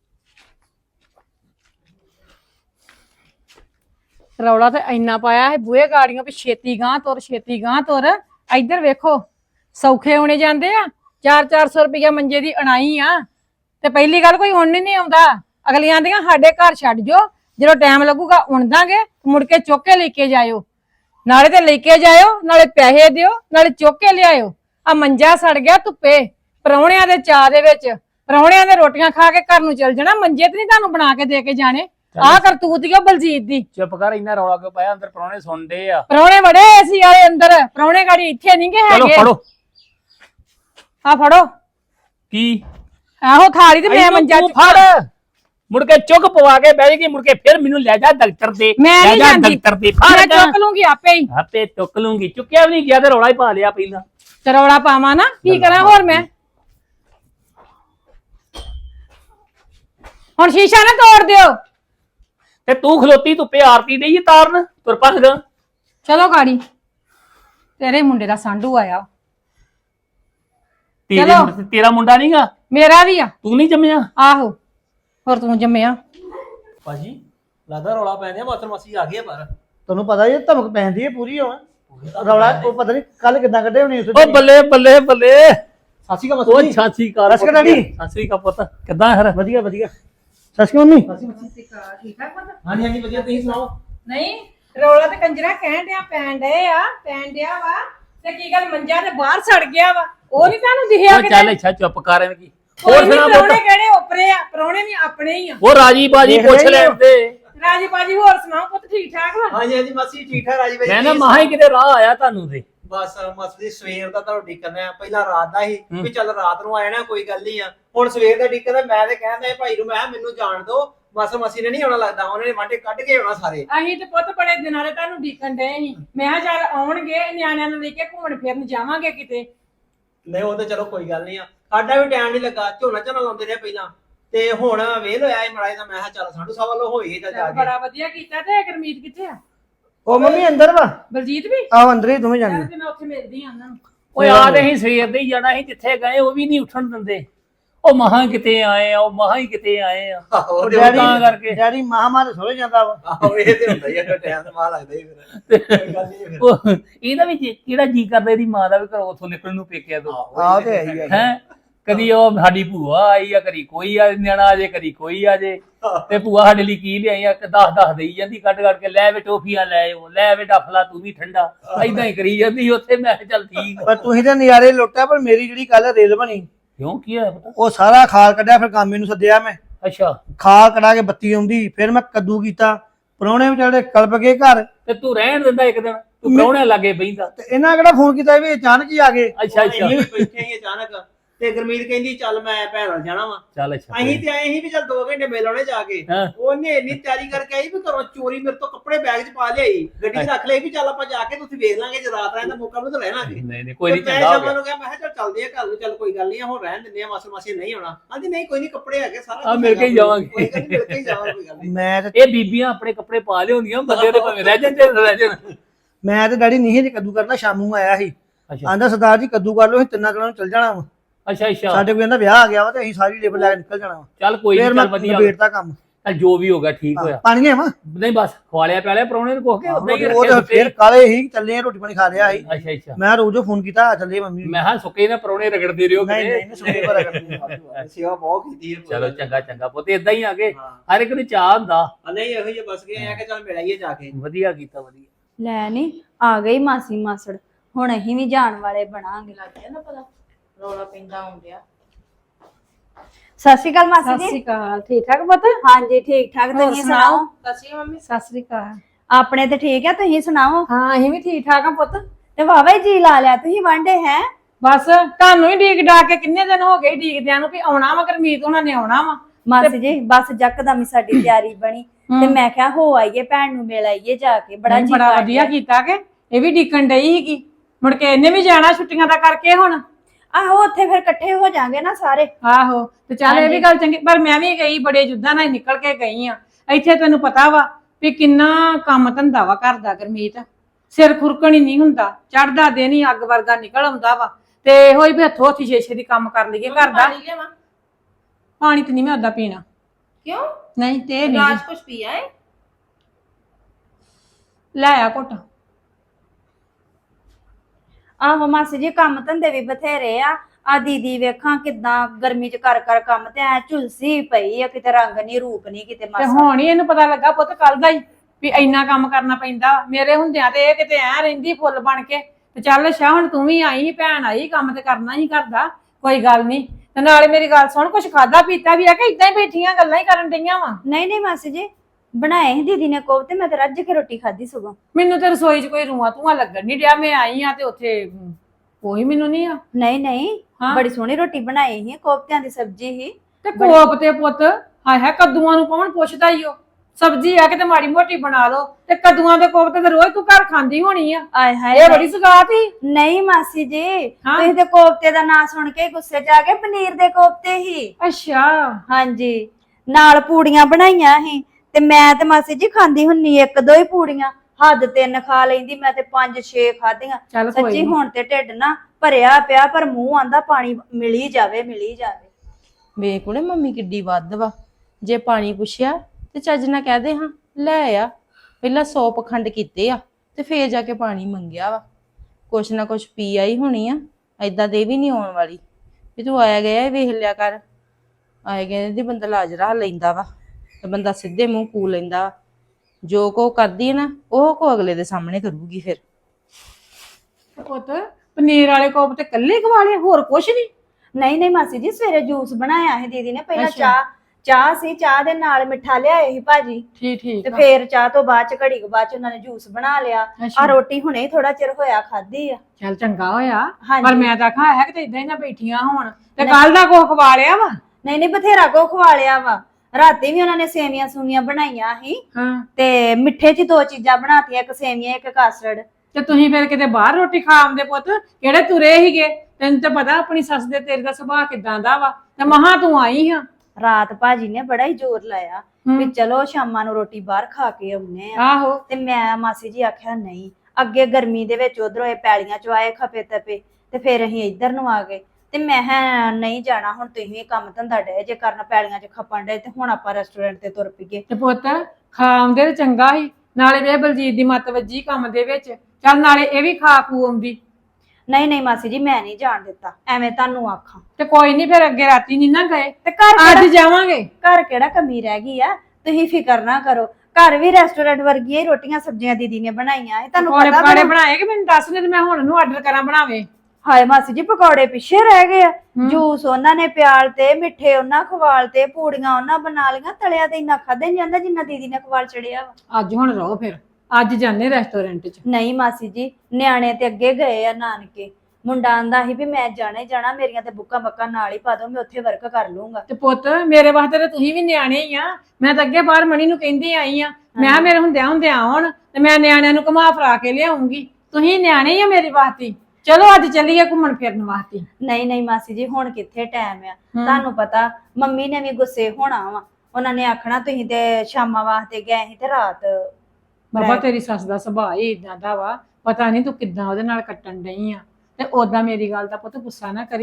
Speaker 6: ਰੌਲਾ ਤੇ ਇੰਨਾ ਪਾਇਆ ਹੈ ਬੂਹੇ ਗਾੜੀਆਂ ਵੀ ਛੇਤੀ ਗਾਂ ਤੁਰ। ਇੱਧਰ ਵੇਖੋ ਸੌਖੇ ਹੋਣੇ ਜਾਂਦੇ ਆ, 400 ਰੁਪਇਆ ਮੰਜੇ ਦੀ ਅਣਾਈ ਆ। ਤੇ ਪਹਿਲੀ ਗੱਲ ਕੋਈ ਉਣ ਨਹੀਂ ਆਉਂਦਾ, ਅਗਲੀਆਂ ਦੀਆਂ ਸਾਡੇ ਘਰ ਛੱਡ ਜੋ, ਜਦੋਂ ਟਾਈਮ ਲੱਗੂਗਾ ਉਣ ਦਾਂਗੇ, ਮੁੜ ਕੇ ਚੁੱਕ ਕੇ ਲੈ ਕੇ ਜਾਇਓ। ਨਾਲੇ ਤੇ ਲੈ ਕੇ ਜਾਇਓ, ਨਾਲੇ ਪੈਸੇ ਦਿਓ, ਨਾਲੇ ਚੁੱਕ ਕੇ ਲਿਆਇਓ। ਆ ਮੰਜਾ ਸੜ ਗਿਆ ਧੁੱਪੇ, ਪ੍ਰਾਹੁਣਿਆਂ ਦੇ ਚਾਹ ਦੇ ਵਿੱਚ, ਪ੍ਰਾਹੁਣਿਆਂ ਦੇ ਰੋਟੀਆਂ ਖਾ ਕੇ ਘਰ ਨੂੰ ਚਲ ਜਾਣਾ, ਮੰਜੇ ਤੇ ਨਹੀਂ ਤੁਹਾਨੂੰ ਬਣਾ ਕੇ ਦੇ ਕੇ ਜਾਣੇ। ਆਹ ਕਰਤੂਤ ਈ ਓ ਬਲਜੀਤ ਦੀ।
Speaker 5: ਚੁੱਪ ਕਰ, ਇੰਨਾ ਰੌਲਾ ਕਿਉਂ ਪਾਇਆ? ਅੰਦਰ ਪ੍ਰਾਹੁਣੇ ਸੁਣਦੇ ਆ।
Speaker 6: ਪ੍ਰਾਹੁਣੇ ਬੜੇ ਏਸੀ ਵਾਲੇ ਅੰਦਰ, ਪ੍ਰਾਹੁਣੇ ਗਾੜੀ ਇੱਥੇ ਨਹੀਂ ਗੇ
Speaker 5: ਚਲੋ
Speaker 6: ਹੈਗੇ।
Speaker 5: ਫੜੋ।
Speaker 6: ਆ ਫੜੋ
Speaker 5: ਕੀ
Speaker 6: ਆਹੋ ਥਾਲੀ ਤੇ ਮੈਂ ਮੰਜਾ
Speaker 5: ਤੂੰ
Speaker 6: ਚ
Speaker 5: ਫੜ, ਮੁੜ ਕੇ ਚੁੱਕ ਪਵਾ ਕੇ ਬਹਿ ਜਾਏਗੀ, ਮੁੜ ਕੇ ਫਿਰ ਮੈਨੂੰ ਲੈ ਜਾ ਦਫ਼ਤਰ ਤੇ,
Speaker 6: ਮੈਂ
Speaker 5: ਲੈ
Speaker 6: ਨਹੀਂ
Speaker 5: ਜਾ
Speaker 6: ਜਾਂਦੀ,
Speaker 5: ਦਫ਼ਤਰ ਤੇ।
Speaker 6: ਮੈਂ ਚੁੱਕ ਲੂੰਗੀ ਆਪੇ ਹੀ।
Speaker 5: ਆਪੇ ਚੁੱਕ ਲੂੰਗੀ, ਚੁੱਕਿਆ ਵੀ ਨਹੀਂ ਗਿਆ ਤੇ ਰੌਲਾ ਹੀ ਪਾ ਲਿਆ ਪਹਿਲਾਂ।
Speaker 6: ਚਰੌੜਾ ਪਾਵਾਂ ਨਾ, ਕੀ ਕਰਾਂ ਹੋਰ ਮੈਂ? ਹੁਣ ਸ਼ੀਸ਼ਾ ਨਾ ਤੋੜ ਦਿਓ।
Speaker 5: ਤੇ ਤੂੰ ਖਲੋਤੀ ਧੁੱਪੇ ਆਰਤੀ ਡਈ ਤਾਰਨ, ਤੁਰ ਭੱਜ ਗਾ।
Speaker 6: ਚਲੋ ਗਾੜੀ, ਤੇਰੇ ਮੁੰਡੇ ਦਾ ਸਾਂਢੂ ਆਇਆ।
Speaker 5: ਤੇਰਾ ਮੁੰਡਾ ਨਹੀਂਗਾ,
Speaker 6: ਮੇਰਾ ਵੀ ਆ।
Speaker 5: ਤੂੰ ਨਹੀਂ ਜੰਮਿਆ?
Speaker 6: ਆਹੋ, ਹੋਰ ਤੂੰ ਜੰਮਿਆ।
Speaker 1: ਭਾਜੀ ਲੱਗਦਾ ਰੌਲਾ ਪੈ ਗਿਆ, ਮਾਤਰ ਮਾਸੀ ਆ ਗਈ ਆ ਬਾਹਰ।
Speaker 2: ਤੁਹਾਨੂੰ ਪਤਾ ਇਹ ਧਮਕ ਪੈਂਦੀ ਹੈ ਪੂਰੀ ਹੁਣ ਰੌਲਾ। ਉਹ ਪਤਾ ਨਹੀਂ ਕੱਲ ਕਿੱਦਾਂ ਕੱਢੇ ਹੋਣੀ ਉੱਥੇ।
Speaker 5: ਓ ਬੱਲੇ ਬੱਲੇ ਬੱਲੇ,
Speaker 2: ਸਾਸੀ ਕਾ
Speaker 5: ਓ
Speaker 2: ਮਸਲਾ
Speaker 5: ਛਾਛੀ ਕਾਰ
Speaker 2: ਸਤਿ ਸ਼੍ਰੀ ਅਕਾਲ ਡੈਡੀ।
Speaker 5: ਸਤਿ ਸ਼੍ਰੀ ਅਕਾਲ ਪੁੱਤ, ਕਿੱਦਾਂ ਹਰ?
Speaker 2: ਵਧੀਆ ਵਧੀਆ। ਸਤਿ ਸ਼੍ਰੀ ਅਕਾਲ ਮੰਮੀ।
Speaker 6: ਠੀਕ ਠਾਕ ਪੁੱਤ?
Speaker 1: ਹਾਂਜੀ ਹਾਂਜੀ ਵਧੀਆ, ਤੁਸੀਂ ਸੁਣਾਓ?
Speaker 6: ਨਹੀਂ ਰੌਲਾ ਤੇ ਕੰਜਰਾ ਕਹਿਣ ਡਿਆ ਪੈਣ ਡਿਆ ਵਾ ਤੇ ਕੀ ਗੱਲ ਮੰਜਾ ਤੇ ਬਾਹਰ ਸੜ ਗਿਆ ਵਾ, ਉਹ ਨਹੀਂ ਤੁਹਾਨੂੰ ਦਿਖਿਆ
Speaker 5: ਓ ਚੱਲ ਅੱਛਾ ਚੁੱਪ ਕਰ ਐਵੇਂ ਕੀ।
Speaker 6: ਹੋਰ
Speaker 5: ਹੋਰ ਸੁਣਾ
Speaker 6: ਪ੍ਰਾਹੁਣੇ
Speaker 5: ਪੁੱਤ?
Speaker 6: ਕਿਹੜੇ ਓਪਰੇ ਆ, ਪ੍ਰਾਹੁਣੇ ਵੀ ਆਪਣੇ ਹੀ ਆ।
Speaker 5: ਉਹ ਰਾਜੀ ਬਾਜੀ
Speaker 2: ਦੇਖ
Speaker 5: ਪੁੱਛ
Speaker 2: ਲਈ
Speaker 5: ਲੈਣ ਤੇ।
Speaker 6: ਰਾਜੀ ਬਾਜੀ ਹੋਰ ਸੁਣਾਓ ਪੁੱਤ, ਠੀਕ ਠਾਕ ਵਾ?
Speaker 1: ਹਾਂਜੀ ਹਾਂਜੀ ਮਾਸੀ ਠੀਕ ਠਾਕ, ਰਾਜੀ ਬਾਈ।
Speaker 5: ਮੈਂ ਨਾ ਮਾਹਾਂ ਹੀ ਕਿਤੇ ਰਾਹ ਆਇਆ ਤੁਹਾਨੂੰ ਤੇ।
Speaker 1: ਬਸ ਮਾਸੀ ਸਵੇਰ ਦਾ ਤੁਹਾਨੂੰ ਡਿੱਕਣਾ, ਪਹਿਲਾਂ ਰਾਤ ਦਾ ਸੀ ਵੀ ਚੱਲ ਰਾਤ ਨੂੰ ਆਇਆ ਨਾ ਕੋਈ ਗੱਲ ਨਹੀਂ ਆ, ਹੁਣ ਸਵੇਰ ਦਾ ਡਿੱਕਣਾ। ਮੈਂ ਤੇ ਕਹਿੰਦਾ ਭਾਈ ਨੂੰ, ਮੈਂ ਮੈਨੂੰ ਜਾਣ ਦੋ, ਬਸ ਮਾਸੀ ਨੇ ਨਹੀਂ ਆਉਣਾ ਲੱਗਦਾ, ਉਹਨੇ ਵਾਂਡੇ ਕੱਢ ਕੇ ਆਉਣਾ ਸਾਰੇ।
Speaker 6: ਅਸੀਂ ਤੇ ਪੁੱਤ ਬੜੇ ਦਿਨਾਂ ਦੇ ਤੁਹਾਨੂੰ ਡੀਕਣ ਡਏ ਸੀ। ਮੈਂ ਕਿਹਾ ਚੱਲ ਆਉਣਗੇ, ਨਿਆਣਿਆਂ ਨੂੰ ਲੈ ਕੇ ਘੁੰਮਣ ਫਿਰਨ ਜਾਵਾਂਗੇ ਕਿਤੇ।
Speaker 1: ਨਹੀਂ ਉਹ ਤੇ ਚਲੋ ਕੋਈ ਗੱਲ ਨਹੀਂ ਆ, ਸਾਡਾ ਵੀ ਟਾਈਮ ਨਹੀਂ ਲੱਗਾ, ਝੋਨਾ ਲਾਉਂਦੇ ਰਹੇ ਪਹਿਲਾਂ, ਤੇ ਹੁਣ ਵੇਲ ਹੋਇਆ ਮੜਾਈ ਦਾ। ਮੈਂ ਕਿਹਾ ਚੱਲ ਸਾਡੂ ਸਵਾ ਲੋ ਹੋਈ ਜਾ ਕੇ।
Speaker 6: ਬੜਾ ਵਧੀਆ ਕੀਤਾ। ਤੇ ਗੁਰਮੀਤ ਕਿੱਥੇ ਆ?
Speaker 2: ਉਹ ਮੰਮੀ ਅੰਦਰ ਵਾ।
Speaker 6: ਬਲਜੀਤ ਵੀ?
Speaker 2: ਆਹੋ ਅੰਦਰ ਹੀ ਦੋਵੇਂ ਜਾਣੇ।
Speaker 6: ਤੇ ਮੈਂ ਉੱਥੇ ਮਿਲਦੀ ਆ ਉਹਨਾਂ ਨੂੰ।
Speaker 5: ਓਏ ਆ ਤੇ ਅਸੀਂ ਸਵੇਰ ਦੇ ਹੀ ਜਾਣਾ ਸੀ, ਜਿੱਥੇ ਗਏ ਉਹ ਵੀ ਨਹੀਂ ਉੱਠਣ ਦਿੰਦੇ। ਉਹ ਮਹਾਂ ਕਿਤੇ ਆਏ ਆ, ਉਹ ਮਹਾਂ ਹੀ ਕਿਤੇ ਆਏ ਆ।
Speaker 1: ਆਹੋ
Speaker 2: ਡੈਡੀ
Speaker 5: ਤਾਂ ਕਰਕੇ।
Speaker 2: ਡੈਡੀ ਮਾਂ ਦੇ ਸੋਹਰੇ ਜਾਂਦਾ ਵਾ।
Speaker 1: ਆਹੋ ਇਹ ਤੇ ਹੁੰਦਾ ਹੀ ਆ, ਟਾਈਮ ਤੇ ਮਾਂ ਲੱਗਦਾ ਹੀ ਫਿਰ। ਕੋਈ ਗੱਲ ਨਹੀਂ ਫਿਰ।
Speaker 5: ਉਹ ਇਹਦਾ ਵੀ ਕਿਹੜਾ ਜੀ ਕਰਦਾ ਇਹਦੀ ਮਾਂ ਦਾ ਵੀ ਘਰੋਂ ਉੱਥੋਂ ਨਿਕਲਣ ਨੂੰ ਪੇਕਿਆ ਤੋਂ।
Speaker 2: ਆਹ ਤੇ ਹੈ ਹੀ ਆ।
Speaker 5: ਹੈ ਕਦੀ ਉਹ ਸਾਡੀ ਭੂਆ ਆਈ ਆ, ਕਦੀ ਕੋਈ ਆ ਨਿਆਣਾ ਆ ਜੇ, ਕਦੀ ਕੋਈ ਆ ਜੇ। ਤੇ ਭੂਆ ਸਾਡੇ ਲਈ ਕੀ ਲਿਆਈ ਆ, 10 ਦੇਈ ਜਾਂਦੀ ਕੱਢ ਕੇ, ਲੈ ਵੇ ਟੋਫੀਆਂ ਲੈ ਆਓ, ਲੈ ਵੇ ਡਫਲਾ ਤੂੰ ਵੀ ਠੰਡਾ, ਏਦਾਂ ਹੀ ਕਰੀ ਜਾਂਦੀ ਉੱਥੇ। ਮੈਂ ਕਿਹਾ ਚੱਲ ਠੀਕ।
Speaker 2: ਪਰ ਤੁਸੀਂ ਤਾਂ ਨਜ਼ਾਰੇ ਲੁੱਟਿਆ, ਪਰ ਮੇਰੀ ਜਿਹੜੀ ਕੱਲ ਰੇਲ ਬਣੀ,
Speaker 5: ਕਿਉਂ ਕੀ ਹੋਇਆ ਪਤਾ?
Speaker 2: ਉਹ ਸਾਰਾ ਖਾਲ ਕੱਢਿਆ। ਫਿਰ ਕਾਮੇ ਨੂੰ ਸੱਦਿਆ ਮੈਂ,
Speaker 5: ਅੱਛਾ
Speaker 2: ਖਾਲ ਕਢਾ ਕੇ ਬੱਤੀ ਆਉਂਦੀ, ਫਿਰ ਮੈਂ ਕੱਦੂ ਕੀਤਾ। ਪ੍ਰਾਹੁਣੇ ਵਿਚਾਰੇ ਕਲਪ ਗਏ ਘਰ,
Speaker 5: ਤੇ ਤੂੰ ਰਹਿਣ ਦਿੰਦਾ ਇੱਕ ਦਿਨ, ਤੂੰ ਪ੍ਰਾਹੁਣੇ ਲਾਗੇ ਬਹਿੰਦਾ।
Speaker 2: ਤੇ ਇਹਨਾਂ ਕਿਹੜਾ ਫੋਨ ਕੀਤਾ ਵੀ ਅਚਾਨਕ ਹੀ ਆ ਗਏ।
Speaker 5: ਅੱਛਾ ਅੱਛਾ
Speaker 1: ਅਸੀਂ ਵੀ ਬੈਠੇ ਹੀ ਅਚਾਨਕ, ਤੇ ਗੁਰਮੀਤ ਕਹਿੰਦੀ ਚੱਲ ਮੈਂ ਭੈਣ ਨਾਲ ਜਾਣਾ ਵਾ।
Speaker 5: ਚੱਲ ਅੱਛਾ
Speaker 1: ਅਸੀਂ ਤੇ ਆਏ ਸੀ ਵੀ ਚੱਲ 2 ਘੰਟੇ ਮਿਲ ਆਉਣੇ ਜਾ ਕੇ।
Speaker 5: ਹਾਂ।
Speaker 1: ਉਹਨੇ ਇੰਨੀ ਤਿਆਰੀ ਕਰਕੇ ਆਈ ਵੀ ਘਰੋਂ ਚੋਰੀ ਮੇਰੇ ਤੋਂ ਕੱਪੜੇ ਬੈਗ 'ਚ ਪਾ ਲਿਆਈ, ਗੱਡੀ 'ਚ ਰੱਖ ਲਈ ਵੀ ਚੱਲ ਆਪਾਂ ਜਾ ਕੇ ਤੁਸੀਂ ਵੇਖ ਲਾਂਗੇ, ਜੇ ਰਾਤ ਰਹਿਣ ਦਾ ਮੌਕਾ ਮਿਲੂ ਤਾਂ ਰਹਿ ਲਾਂਗੇ।
Speaker 5: ਨਹੀਂ ਨਹੀਂ ਕੋਈ ਨਹੀਂ,
Speaker 1: ਤੇ ਮੈਂ
Speaker 5: ਚੰਗਾ ਹੋ
Speaker 1: ਸ਼ਾਮਾਂ
Speaker 5: ਗਿਆ।
Speaker 1: ਨੂੰ ਕਿਹਾ, ਮੈਂ ਕਿਹਾ ਚੱਲ ਚੱਲਦੇ ਆ ਘਰ ਨੂੰ, ਚੱਲ ਕੋਈ ਗੱਲ ਨਹੀਂ, ਹੁਣ ਰਹਿਣ ਦਿੰਦੇ ਆ, ਮਾਸਰ ਮਾਸੀ ਨਹੀਂ ਆਉਣਾ। ਕਹਿੰਦੀ ਨਹੀਂ ਕੋਈ ਨਹੀਂ, ਕੱਪੜੇ ਹੈਗੇ ਸਾਰਾ
Speaker 5: ਆ, ਮਿਲ ਕੇ ਹੀ ਜਾਵਾਂਗੇ।
Speaker 1: ਕੋਈ ਗੱਲ ਨੀ, ਮਿਲ ਕੇ ਹੀ ਜਾਵਾਂਗੇ, ਕੋਈ ਗੱਲ ਨਹੀਂ।
Speaker 2: ਮੈਂ ਤੇ
Speaker 5: ਇਹ ਬੀਬੀਆਂ ਆਪਣੇ ਕੱਪੜੇ ਪਾ ਲਿਆਉਂਦੀਆਂ, ਬੰਦੇ ਦੇ ਭਾਵੇਂ ਰਹਿ ਜਾਂਦੇ ਰਹਿ ਜਾਣ।
Speaker 2: ਡੈਡੀ ਨਹੀਂ ਸੀ ਕੱਦੂ ਕਰਨਾ, ਸ਼ਾਮੂ ਆਇਆ ਸੀ,
Speaker 5: ਅੱਛਾ
Speaker 2: ਆਂਦਾ ਸਰਦਾਰ ਜੀ ਕੱਦੂ ਕਰ ਲਓ, ਅਸੀਂ 3 ਦਿਨਾਂ ਨੂੰ ਚੱਲ ਜਾਣਾ ਵਾ।
Speaker 5: ਅੱਛਾ ਅੱਛਾ
Speaker 2: ਸਾਡੇ ਕੋਲ ਕਹਿੰਦਾ ਵਿਆਹ ਆ ਗਿਆ ਵਾ ਤੇ ਅਸੀਂ ਸਾਰੀ ਲੇਬਰ ਲੈ ਕੇ ਨਿਕਲ ਜਾਣਾ ਵਾ।
Speaker 5: ਚੱਲ ਕੋਈ
Speaker 2: ਫਿਰ
Speaker 5: ਨਹੀਂ,
Speaker 2: ਮੈਂ
Speaker 5: ਚੱਲ ਵਧੀਆ।
Speaker 2: ਨਿਬੇੜਤਾ ਕੰਮ।
Speaker 5: ਚੱਲ ਜੋ ਵੀ ਹੋ ਗਿਆ ਠੀਕ ਹੋਇਆ।
Speaker 2: ਪਾਣੀ ਲਿਆਵਾਂ?
Speaker 5: ਨਹੀਂ ਬਸ ਖਵਾਲਿਆ ਪਿਆਲਿਆ ਪ੍ਰਾਹੁਣੇ ਨੂੰ ਕੁਛ ਕੇ ਉਦਾਂ ਹੀ
Speaker 2: ਉਹ
Speaker 5: ਰੱਖੇ
Speaker 2: ਤਾਂ
Speaker 5: ਸੁੱਕੇ
Speaker 2: ਫੇਰ ਕਾਲੇ ਹੀ ਚੱਲੇ ਆ, ਰੋਟੀ ਪਾਣੀ ਖਾ ਲਿਆ ਸੀ।
Speaker 5: ਅੱਛਾ ਅੱਛਾ
Speaker 2: ਮੈਂ ਰੋਜ਼ੋ ਫੋਨ ਕੀਤਾ ਆ ਚੱਲੇ ਮੰਮੀ।
Speaker 5: ਮੈਂ ਹਾਂ ਸੁੱਕੇ ਨਾ ਪ੍ਰਾਹੁਣੇ ਰਗੜਦੇ ਰਿਓ
Speaker 2: ਨਹੀਂ
Speaker 5: ਕਿਤੇ।
Speaker 2: ਨਹੀਂ ਸੁਣੇ ਭਰਾ ਕਰਦੀ।
Speaker 1: ਸੇਵਾ ਬਹੁਤ ਕੀਤੀ ਹੈ
Speaker 5: ਚਲੋ ਚੰਗਾ ਚੰਗਾ ਪੁੱਤ ਇਦਾਂ ਹੀ ਆ ਗਏ,
Speaker 1: ਹਾਂ
Speaker 5: ਹਰ ਇੱਕ ਨੂੰ ਚਾਹ ਹੁੰਦਾ।
Speaker 1: ਨਹੀਂ ਇਹੋ ਜਿਹਾ ਬਸ ਗਏ ਆ ਕਿ ਚੱਲ ਮਿਲਾਈਏ ਜਾ ਕੇ।
Speaker 5: ਵਧੀਆ ਕੀਤਾ ਵਧੀਆ।
Speaker 3: ਲੈ ਨੀ ਆ ਗਈ ਮਾਸੀ ਮਾਸੜ, ਹੁਣ ਅਸੀਂ ਵੀ ਜਾਣ ਵਾਲੇ ਬਣਾਂਗੇ।
Speaker 4: ਲੱਗ ਗਿਆ ਨਾ ਪਤਾ ਰੌਲਾ ਪੈਂਦਾ ਆਉਂਦਿਆ।
Speaker 3: ਸਤਿ ਸ਼੍ਰੀ ਅਕਾਲ ਮਾਸੀ
Speaker 6: ਸਤਿ
Speaker 3: ਜੀ।
Speaker 6: ਸ਼੍ਰੀ ਅਕਾਲ, ਠੀਕ ਠਾਕ ਪੁੱਤ?
Speaker 3: ਹਾਂਜੀ ਠੀਕ ਠਾਕ,
Speaker 6: ਹੋਰ
Speaker 3: ਤੁਸੀਂ ਸੁਣਾਓ?
Speaker 4: ਦੱਸੀ ਮੰਮੀ।
Speaker 6: ਸਤਿ ਸ਼੍ਰੀ ਅਕਾਲ।
Speaker 3: ਆਪਣੇ ਤੇ ਠੀਕ ਆ, ਤੁਸੀਂ ਸੁਣਾਓ?
Speaker 6: ਹਾਂ ਅਸੀਂ ਵੀ ਠੀਕ ਠਾਕ ਆ ਪੁੱਤ।
Speaker 3: ਤੇ ਵਾਵਾ ਹੀ ਜੀ ਲਾ ਲਿਆ ਤੁਸੀਂ ਵਾਂਡੇ ਹੈ।
Speaker 6: ਬਸ ਤੁਹਾਨੂੰ ਹੀ ਡੀਕ ਡਾ ਕੇ ਕਿੰਨੇ ਦਿਨ ਹੋ ਗਏ ਡੀਕਦਿਆਂ ਨੂੰ ਵੀ ਆਉਣਾ ਵਾ, ਗੁਰਮੀਤ ਉਹਨਾਂ ਨੇ ਆਉਣਾ ਵਾ।
Speaker 3: ਮਾਸੀ ਜੀ ਬਸ ਜੱਕਦਮ ਹੀ ਸਾਡੀ ਤਿਆਰੀ ਬਣੀ ਤੇ ਮੈਂ ਕਿਹਾ ਹੋ ਆਈਏ ਭੈਣ ਨੂੰ ਮਿਲ ਆਈਏ ਜਾ ਕੇ। ਬੜਾ
Speaker 6: ਨਹੀਂ,
Speaker 3: ਜੀ
Speaker 6: ਬੜਾ
Speaker 3: ਕਰ
Speaker 6: ਵਧੀਆ
Speaker 3: ਗਿਆ।
Speaker 6: ਕੀਤਾ ਕਿ ਇਹ ਵੀ ਡੀਕਣ ਡਈ ਸੀਗੀ, ਮੁੜ ਕੇ ਇਹਨੇ ਵੀ ਜਾਣਾ ਛੁੱਟੀਆਂ ਦਾ ਕਰਕੇ ਹੁਣ।
Speaker 3: ਆਹੋ ਉੱਥੇ ਫਿਰ ਇਕੱਠੇ ਹੋ ਜਾਾਂਗੇ ਨਾ ਸਾਰੇ।
Speaker 6: ਆਹੋ ਤੇ ਚੱਲ ਇਹ ਵੀ ਗੱਲ ਚੰਗੀ, ਪਰ ਮੈਂ ਵੀ ਗਈ ਬੜੇ ਯੁੱਧਾਂ ਨਾਲ ਨਿਕਲ ਕੇ ਗਈ ਆ। ਇੱਥੇ ਤੈਨੂੰ ਪਤਾ ਵਾ ਵੀ ਕਿੰਨਾ ਕੰਮ ਧੰਦਾ ਵਾ ਘਰ ਦਾ ਗੁਰਮੀਤ, ਸਿਰ ਖੁਰਕਣ ਹੀ ਨਹੀਂ ਹੁੰਦਾ, ਚੜਦਾ ਦਿਨ ਹੀ ਅੱਗ ਵਰਗਾ ਨਿਕਲ ਆਉਂਦਾ ਵਾ। ਤੇ ਇਹੋ ਹੀ ਵੀ ਹੱਥੋਂ ਹੱਥੀ ਛੇ ਦੀ ਕੰਮ ਕਰ ਲਈਏ ਘਰ ਦਾ।
Speaker 4: ਪਾਣੀ ਲਿਆਵਾਂ?
Speaker 6: ਪਾਣੀ ਤੇ ਨਹੀਂ ਮੈਂ ਓਦਾਂ ਪੀਣਾ।
Speaker 4: ਕਿਉਂ?
Speaker 6: ਨਹੀਂ ਤੇ ਇਹ ਨਹੀਂ
Speaker 4: ਰਾਜ ਕੁਛ ਪੀਆ ਹੈ?
Speaker 6: ਲੈ ਆ ਘੁੱਟ।
Speaker 3: ਆਹੋ ਮਾਸੀ ਜੀ ਕੰਮ ਧੰਦੇ ਵੀ ਬਥੇਰੇ ਆ ਦੀਦੀ ਵੇਖਾਂ ਕਿਦਾਂ ਗਰਮੀ ਚ ਕਰ ਕਰ ਕੰਮ ਤੇ ਐ ਝੁਲਸੀ ਪਈ ਆ, ਕਿਤੇ ਰੰਗ ਨਹੀਂ ਰੂਪ ਨਹੀਂ ਕਿਤੇ
Speaker 6: ਤੇ
Speaker 3: ਮਾਸਾ।
Speaker 6: ਹੁਣ ਹੀ ਇਹਨੂੰ ਪਤਾ ਲੱਗਾ ਪੁੱਤ ਕੱਲ ਦਾ ਹੀ ਵੀ ਇੰਨਾ ਕੰਮ ਕਰਨਾ ਪੈਂਦਾ। ਮੇਰੇ ਹੁੰਦਿਆਂ ਤੇ ਇਹ ਕਿਤੇ ਐ ਰਹਿੰਦੀ ਫੁੱਲ ਬਣ ਕੇ। ਤੇ ਚੱਲ ਸ਼ਾ ਹੁਣ ਤੂੰ ਵੀ ਆਈ, ਭੈਣ ਆਈ, ਕੰਮ ਤੇ ਕਰਨਾ ਹੀ ਕਰਦਾ, ਕੋਈ ਗੱਲ ਨਹੀਂ। ਤੇ ਨਾਲੇ ਮੇਰੀ ਗੱਲ ਸੁਣ, ਕੁਛ ਖਾਦਾ ਪੀਤਾ ਵੀ ਆ ਕਿ ਇਦਾਂ ਹੀ ਬੈਠੀਆਂ ਗੱਲਾਂ ਹੀ ਕਰਨ ਡਈਆਂ ਵਾ?
Speaker 3: ਨਹੀਂ ਨਹੀਂ ਮਾਸੀ ਜੀ ਬਣਾਏ ਸੀ ਦੀਦੀ ਨੇ ਕੋਫਤੇ, ਮੈਂ ਤੇ ਰੱਜ ਕੇ ਰੋਟੀ ਖਾਧੀ ਸਗੋਂ।
Speaker 6: ਮੈਨੂੰ ਤੇ ਰਸੋਈ 'ਚ ਕੋਈ ਰੂਆ ਧੂਆ ਲੱਗਣ ਨਹੀਂ ਡਿਆ। ਮੈਂ ਆਈ ਆ ਤੇ ਉੱਥੇ ਕੋਈ ਮੈਨੂੰ ਨਹੀਂ ਆ।
Speaker 3: ਨਹੀਂ ਨਹੀਂ
Speaker 6: ਹਾਂ।
Speaker 3: ਬੜੀ ਸੋਹਣੀ ਰੋਟੀ ਬਣਾਈ ਸੀ, ਕੋਫਤਿਆਂ ਦੀ ਸਬਜ਼ੀ ਸੀ।
Speaker 6: ਤੇ ਕੋਪ ਤੇ ਪੁੱਤ ਹਾਏ ਹਾਏ, ਕੱਦੂਆਂ ਨੂੰ ਕੌਣ ਪੁੱਛਦਾ ਈ ਓ? ਸਬਜ਼ੀ ਆ ਕਿਤੇ ਮਾੜੀ ਮੋਟੀ ਬਣਾ ਲਓ। ਤੇ ਕੱਦੂਆਂ ਦੇ ਕੋਫਤੇ ਤੇ ਰੋਜ਼ ਤੂੰ ਘਰ ਖਾਂਦੀ ਹੋਣੀ ਆ।
Speaker 3: ਆਏ ਹਾਏ
Speaker 6: ਇਹ ਬੜੀ ਸਗਾਤ ਹੀ।
Speaker 3: ਨਹੀਂ ਮਾਸੀ ਜੀ
Speaker 6: ਹਾਂ।
Speaker 3: ਤੁਸੀਂ ਤੇ ਕੋਫਤੇ ਦਾ ਨਾਂ ਸੁਣ ਕੇ ਗੁੱਸੇ 'ਚ ਆ ਗਏ, ਪਨੀਰ ਦੇ ਕੋਫਤੇ ਹੀ।
Speaker 6: ਅੱਛਾ
Speaker 3: ਹਾਂਜੀ ਨਾਲ ਪੂੜੀਆਂ ਬਣਾਈਆਂ ਸੀ ਤੇ ਮੈਂ ਤੇ ਮਾਸੀ ਜੀ ਖਾਂਦੀ ਹੁੰਨੀ ਇੱਕ ਦੋ ਹੀ ਪੂੜੀਆਂ, ਹੱਦ 3 ਖਾ ਲੈਂਦੀ, ਮੈਂ ਤੇ 5-6 ਖਾਧੀਆਂ।
Speaker 6: ਚੱਲ ਕੋਈ
Speaker 3: ਸੱਚੀ
Speaker 6: ਨੀ।
Speaker 3: ਹੁਣ ਤੇ ਢਿੱਡ ਨਾ ਭਰਿਆ ਪਿਆ, ਪਰ ਮੂੰਹ ਆਂਦਾ ਪਾਣੀ ਮਿਲੀ ਜਾਵੇ ਮਿਲੀ ਜਾਵੇ।
Speaker 4: ਵੇਖ ਉਹਨੇ ਮੰਮੀ ਕਿੱਡੀ ਵੱਧ ਵਾ। ਜੇ ਪਾਣੀ ਪੁੱਛਿਆ ਤੇ ਚੱਜ ਨਾਲ ਕਹਿ ਦੇ ਹਾਂ ਲੈ ਆ। ਪਹਿਲਾਂ 100 ਪਖੰਡ ਕੀਤੇ ਆ ਤੇ ਫੇਰ ਜਾ ਕੇ ਪਾਣੀ ਮੰਗਿਆ ਵਾ। ਕੁਛ ਨਾ ਕੁਛ ਪੀ ਆਈ ਹੋਣੀ ਆ, ਏਦਾਂ ਦੇ ਵੀ ਨਹੀਂ ਆਉਣ ਵਾਲੀ ਵੀ ਤੂੰ ਆਇਆ ਗਿਆ ਵੇਖ ਲਿਆ ਕਰ। ਆਏ ਗਏ ਦੀ ਬੰਦਾ ਲਾਜ ਰਾਹ ਲੈਂਦਾ ਵਾ ਤੇ ਬੰਦਾ ਸਿੱਧੇ ਮੂੰਹ ਕੂ ਲੈਂਦਾ ਵਾ। ਜੋ ਕੋ ਕਰਦੀ ਹੈ ਨਾ ਉਹ ਕੋ ਅਗਲੇ ਦੇ ਸਾਹਮਣੇ ਕਰੂਗੀ ਫਿਰ।
Speaker 6: ਪੁੱਤ ਪਨੀਰ ਵਾਲੇ ਕੋਪ ਤੇ ਕੱਲੇ ਖਵਾਲੇ, ਹੋਰ ਕੁਛ ਨਹੀਂ?
Speaker 3: ਨਹੀਂ ਨਹੀਂ ਮਾਸੀ ਜੀ ਸਵੇਰੇ ਜੂਸ ਬਣਾਇਆ ਸੀ ਦੀਦੀ ਨੇ। ਪਹਿਲਾਂ
Speaker 6: ਅੱਛਾ।
Speaker 3: ਚਾਹ ਸੀ, ਚਾਹ ਦੇ ਨਾਲ ਮਿੱਠਾ ਲਿਆਏ ਸੀ ਭਾਜੀ,
Speaker 6: ਠੀਕ ਠੀਕ
Speaker 3: ਤੇ ਫੇਰ ਚਾਹ ਤੋਂ ਬਾਅਦ ਚ ਘੜੀ ਕੁ ਬਾਅਦ ਚ ਉਹਨਾਂ ਨੇ ਜੂਸ ਬਣਾ ਲਿਆ।
Speaker 6: ਅੱਛਾ।
Speaker 3: ਆ ਰੋਟੀ ਹੁਣੇ ਥੋੜਾ ਚਿਰ ਹੋਇਆ ਖਾਧੀ ਆ।
Speaker 6: ਚੱਲ ਚੰਗਾ ਹੋਇਆ।
Speaker 3: ਹਾਂਜੀ।
Speaker 6: ਪਰ ਮੈਂ ਤਾਂ ਆਖਾਂ ਹੈ ਕਿ ਇਦਾਂ ਹੀ ਨਾ ਬੈਠੀਆਂ ਹੋਣ ਤੇ ਕੱਲ ਦਾ ਕੋ ਖਵਾ ਲਿਆ ਵਾ।
Speaker 3: ਨਹੀਂ ਨਹੀਂ ਬਥੇਰਾ ਕੋ ਖਵਾ ਲਿਆ ਵਾ। ਰਾਤੀ ਵੀ ਉਹਨਾਂ ਨੇ ਸੇਵੀਆਂ ਸੂਵੀਆਂ ਬਣਾਈਆਂ ਸੀ
Speaker 6: ਹਾਂ
Speaker 3: ਤੇ ਮਿੱਠੇ 'ਚ 2 ਚੀਜ਼ਾਂ ਬਣਾਤੀਆਂ, ਇੱਕ ਸੇਵੀਆਂ ਇੱਕ ਕਾਸਟਰਡ।
Speaker 6: ਤੇ ਤੁਸੀਂ ਫਿਰ ਕਿਤੇ ਬਾਹਰ ਰੋਟੀ ਖਾ ਆਉਂਦੇ ਪੁੱਤ, ਕਿਹੜੇ ਤੁਰੇ ਸੀਗੇ? ਤੈਨੂੰ ਤਾਂ ਪਤਾ ਆਪਣੀ ਸੱਸ ਦੇ ਤੇਰੇ ਦਾ ਸੁਭਾਅ ਕਿਦਾਂ ਦਾ ਵਾ। ਤੇ ਮਹਾ ਤੂੰ ਆਈ ਹਾਂ।
Speaker 3: ਰਾਤ ਭਾਜੀ ਨੇ ਬੜਾ ਹੀ ਜ਼ੋਰ ਲਾਇਆ ਵੀ ਚਲੋ ਸ਼ਾਮਾਂ ਨੂੰ ਰੋਟੀ ਬਾਹਰ ਖਾ ਕੇ ਆਉਨੇ ਆ।
Speaker 6: ਆਹੋ
Speaker 3: ਤੇ ਮੈਂ ਮਾਸੀ ਜੀ ਆਖਿਆ ਨਹੀਂ, ਅੱਗੇ ਗਰਮੀ ਦੇ ਵਿੱਚ ਉਧਰੋਂ ਇਹ ਪੈਲੀਆਂ ਚ ਆਏ ਖਪੇ ਤਪੇ ਤੇ ਫਿਰ ਅਸੀਂ ਇੱਧਰ ਨੂੰ ਆ ਗਏ। ਤੇ ਮੈਂ ਕਿਹਾ ਨਹੀਂ ਜਾਣਾ, ਹੁਣ ਤੁਸੀਂ ਕੰਮ ਧੰਦਾ ਡੇ ਜੇ ਕਰਨ ਪੈਲੀਆਂ ਚ ਖਪਣ ਡੇ ਤੇ ਹੁਣ ਆਪਾਂ ਰੈਸਟੋਰੈਂਟ ਤੇ ਤੁਰ ਪਈਏ।
Speaker 6: ਤੇ ਪੁੱਤ ਖਾ ਆਉਂਦੇ ਤੇ ਚੰਗਾ ਸੀ, ਨਾਲੇ ਵੇ ਬਲਜੀਤ ਦੀ ਮੱਤ ਵੱਜੀ ਕੰਮ ਦੇ ਵਿੱਚ। ਚੱਲ ਨਾਲੇ ਇਹ ਵੀ ਖਾ ਖੂ ਆਉਂਦੀ।
Speaker 3: ਨਹੀਂ ਨਹੀਂ ਮਾਸੀ ਜੀ ਮੈਂ ਨਹੀਂ ਜਾਣ ਦਿੱਤਾ, ਐਵੇਂ ਤੁਹਾਨੂੰ ਆਖਾਂ।
Speaker 6: ਤੇ ਕੋਈ ਨਹੀਂ, ਫਿਰ ਅੱਗੇ ਰਾਤੀ ਨਹੀਂ ਨਾ ਗਏ,
Speaker 3: ਤੇ ਘਰ
Speaker 6: ਅੱਜ
Speaker 3: ਕਿਹੜਾ
Speaker 6: ਜਾਵਾਂਗੇ।
Speaker 3: ਘਰ ਕਿਹੜਾ ਕਮੀ ਰਹਿ ਗਈ ਆ, ਤੁਸੀਂ ਫਿਕਰ ਨਾ ਕਰੋ। ਘਰ ਵੀ ਰੈਸਟੋਰੈਂਟ ਵਰਗੀਆਂ ਹੀ ਰੋਟੀਆਂ ਸਬਜ਼ੀਆਂ ਦੀਦੀ ਨੇ ਬਣਾਈਆਂ ਸੀ, ਤੁਹਾਨੂੰ
Speaker 6: ਪਕੌੜੇ
Speaker 3: ਪਤਾ
Speaker 6: ਪਕਾੜੇ
Speaker 3: ਬਣਾ-
Speaker 6: ਬਣਾਏ ਕਿ ਮੈਨੂੰ ਦੱਸ, ਨਹੀਂ ਤੇ ਮੈਂ ਹੁਣ ਨੂੰ ਆਰਡਰ ਕਰਾਂ ਬਣਾਵੇ।
Speaker 3: ਹਾਏ ਮਾਸੀ ਜੀ ਪਕੌੜੇ ਪਿੱਛੇ ਰਹਿ ਗਏ ਆ। ਜੂਸ ਉਹਨਾਂ ਨੇ ਪਿਆਲ ਤੇ, ਮਿੱਠੇ ਉਹਨਾਂ ਖਵਾਲ ਤੇ, ਪੂੜੀਆਂ ਉਹਨਾਂ ਬਣਾ ਲਈਆਂ। ਤਲਿਆ ਤੇ ਇੰਨਾ ਖਾਦੇ ਨਹੀਂ ਜਾਂਦਾ ਜਿੰਨਾ ਦੀਦੀ ਨੇ ਖਵਾਲ ਚੜਿਆ ਵਾ।
Speaker 6: ਅੱਜ ਹੁਣ ਰਹੋ, ਫਿਰ ਅੱਜ ਜਾਂਦੇ ਰੈਸਟੋਰੈਂਟ 'ਚ।
Speaker 3: ਨਹੀਂ ਮਾਸੀ ਜੀ ਨਿਆਣੇ ਤੇ ਅੱਗੇ ਗਏ ਆ ਨਾਨਕੇ। ਮੁੰਡਾ ਆਂਦਾ ਸੀ ਵੀ ਮੈਂ ਜਾਣਾ ਹੀ ਜਾਣਾ, ਮੇਰੀਆਂ ਤੇ ਬੁੱਕਾਂ ਬੱਕਾਂ ਨਾਲ ਹੀ ਪਾ ਦੋ, ਮੈਂ ਉੱਥੇ ਵਰਕ ਕਰ ਲੂੰਗਾ।
Speaker 6: ਤੇ ਪੁੱਤ ਮੇਰੇ ਵਾਸਤੇ ਤੇ ਤੁਸੀਂ ਵੀ ਨਿਆਣੇ ਹੀ ਆ। ਮੈਂ ਤਾਂ ਅੱਗੇ ਬਾਹਰ ਮਣੀ ਨੂੰ ਕਹਿੰਦੀ ਆਈ ਆ, ਮੈਂ ਕਿਹਾ ਮੇਰੇ ਹੁੰਦਿਆਂ ਆਉਣ ਤੇ ਮੈਂ ਨਿਆਣਿਆਂ ਨੂੰ ਘੁਮਾ ਫਰਾ ਕੇ ਲਿਆਉਂਗੀ। ਤੁਸੀਂ ਨਿਆਣੇ ਹੀ ਆ ਮੇਰੇ ਵਾਸਤੇ। ਚਲੋ ਅੱਜ ਚੱਲੀਏ ਘੁੰਮਣ ਫਿਰਨ ਵਾਸਤੇ।
Speaker 3: ਨਹੀਂ ਨਹੀਂ ਮਾਸੀ ਜੀ ਹੁਣ ਕਿੱਥੇ ਟਾਈਮ ਆ, ਤੁਹਾਨੂੰ ਪਤਾ ਮੰਮੀ ਨੇ ਵੀ ਗੁੱਸੇ ਹੋਣਾ ਵਾ। ਉਹਨਾਂ ਨੇ ਆਖਣਾ ਤੁਸੀਂ ਤੇ ਸ਼ਾਮਾਂ ਵਾਸਤੇ ਗਏ ਸੀ ਤੇ ਰਾਤ।
Speaker 6: ਬਾਬਾ ਤੇਰੀ ਸੱਸ ਦਾ ਸੁਭਾਅ ਹੀ ਇਦਾਂ ਦਾ ਵਾ, ਪਤਾ ਨਹੀਂ ਤੂੰ ਕਿੱਦਾਂ ਉਹਦੇ ਨਾਲ ਕੱਟਣ ਡਈ ਆ। ਤੇ ਓਦਾਂ ਮੇਰੀ ਗੱਲ ਦਾ ਪੁੱਤ ਗੁੱਸਾ ਨਾ ਕਰੀ,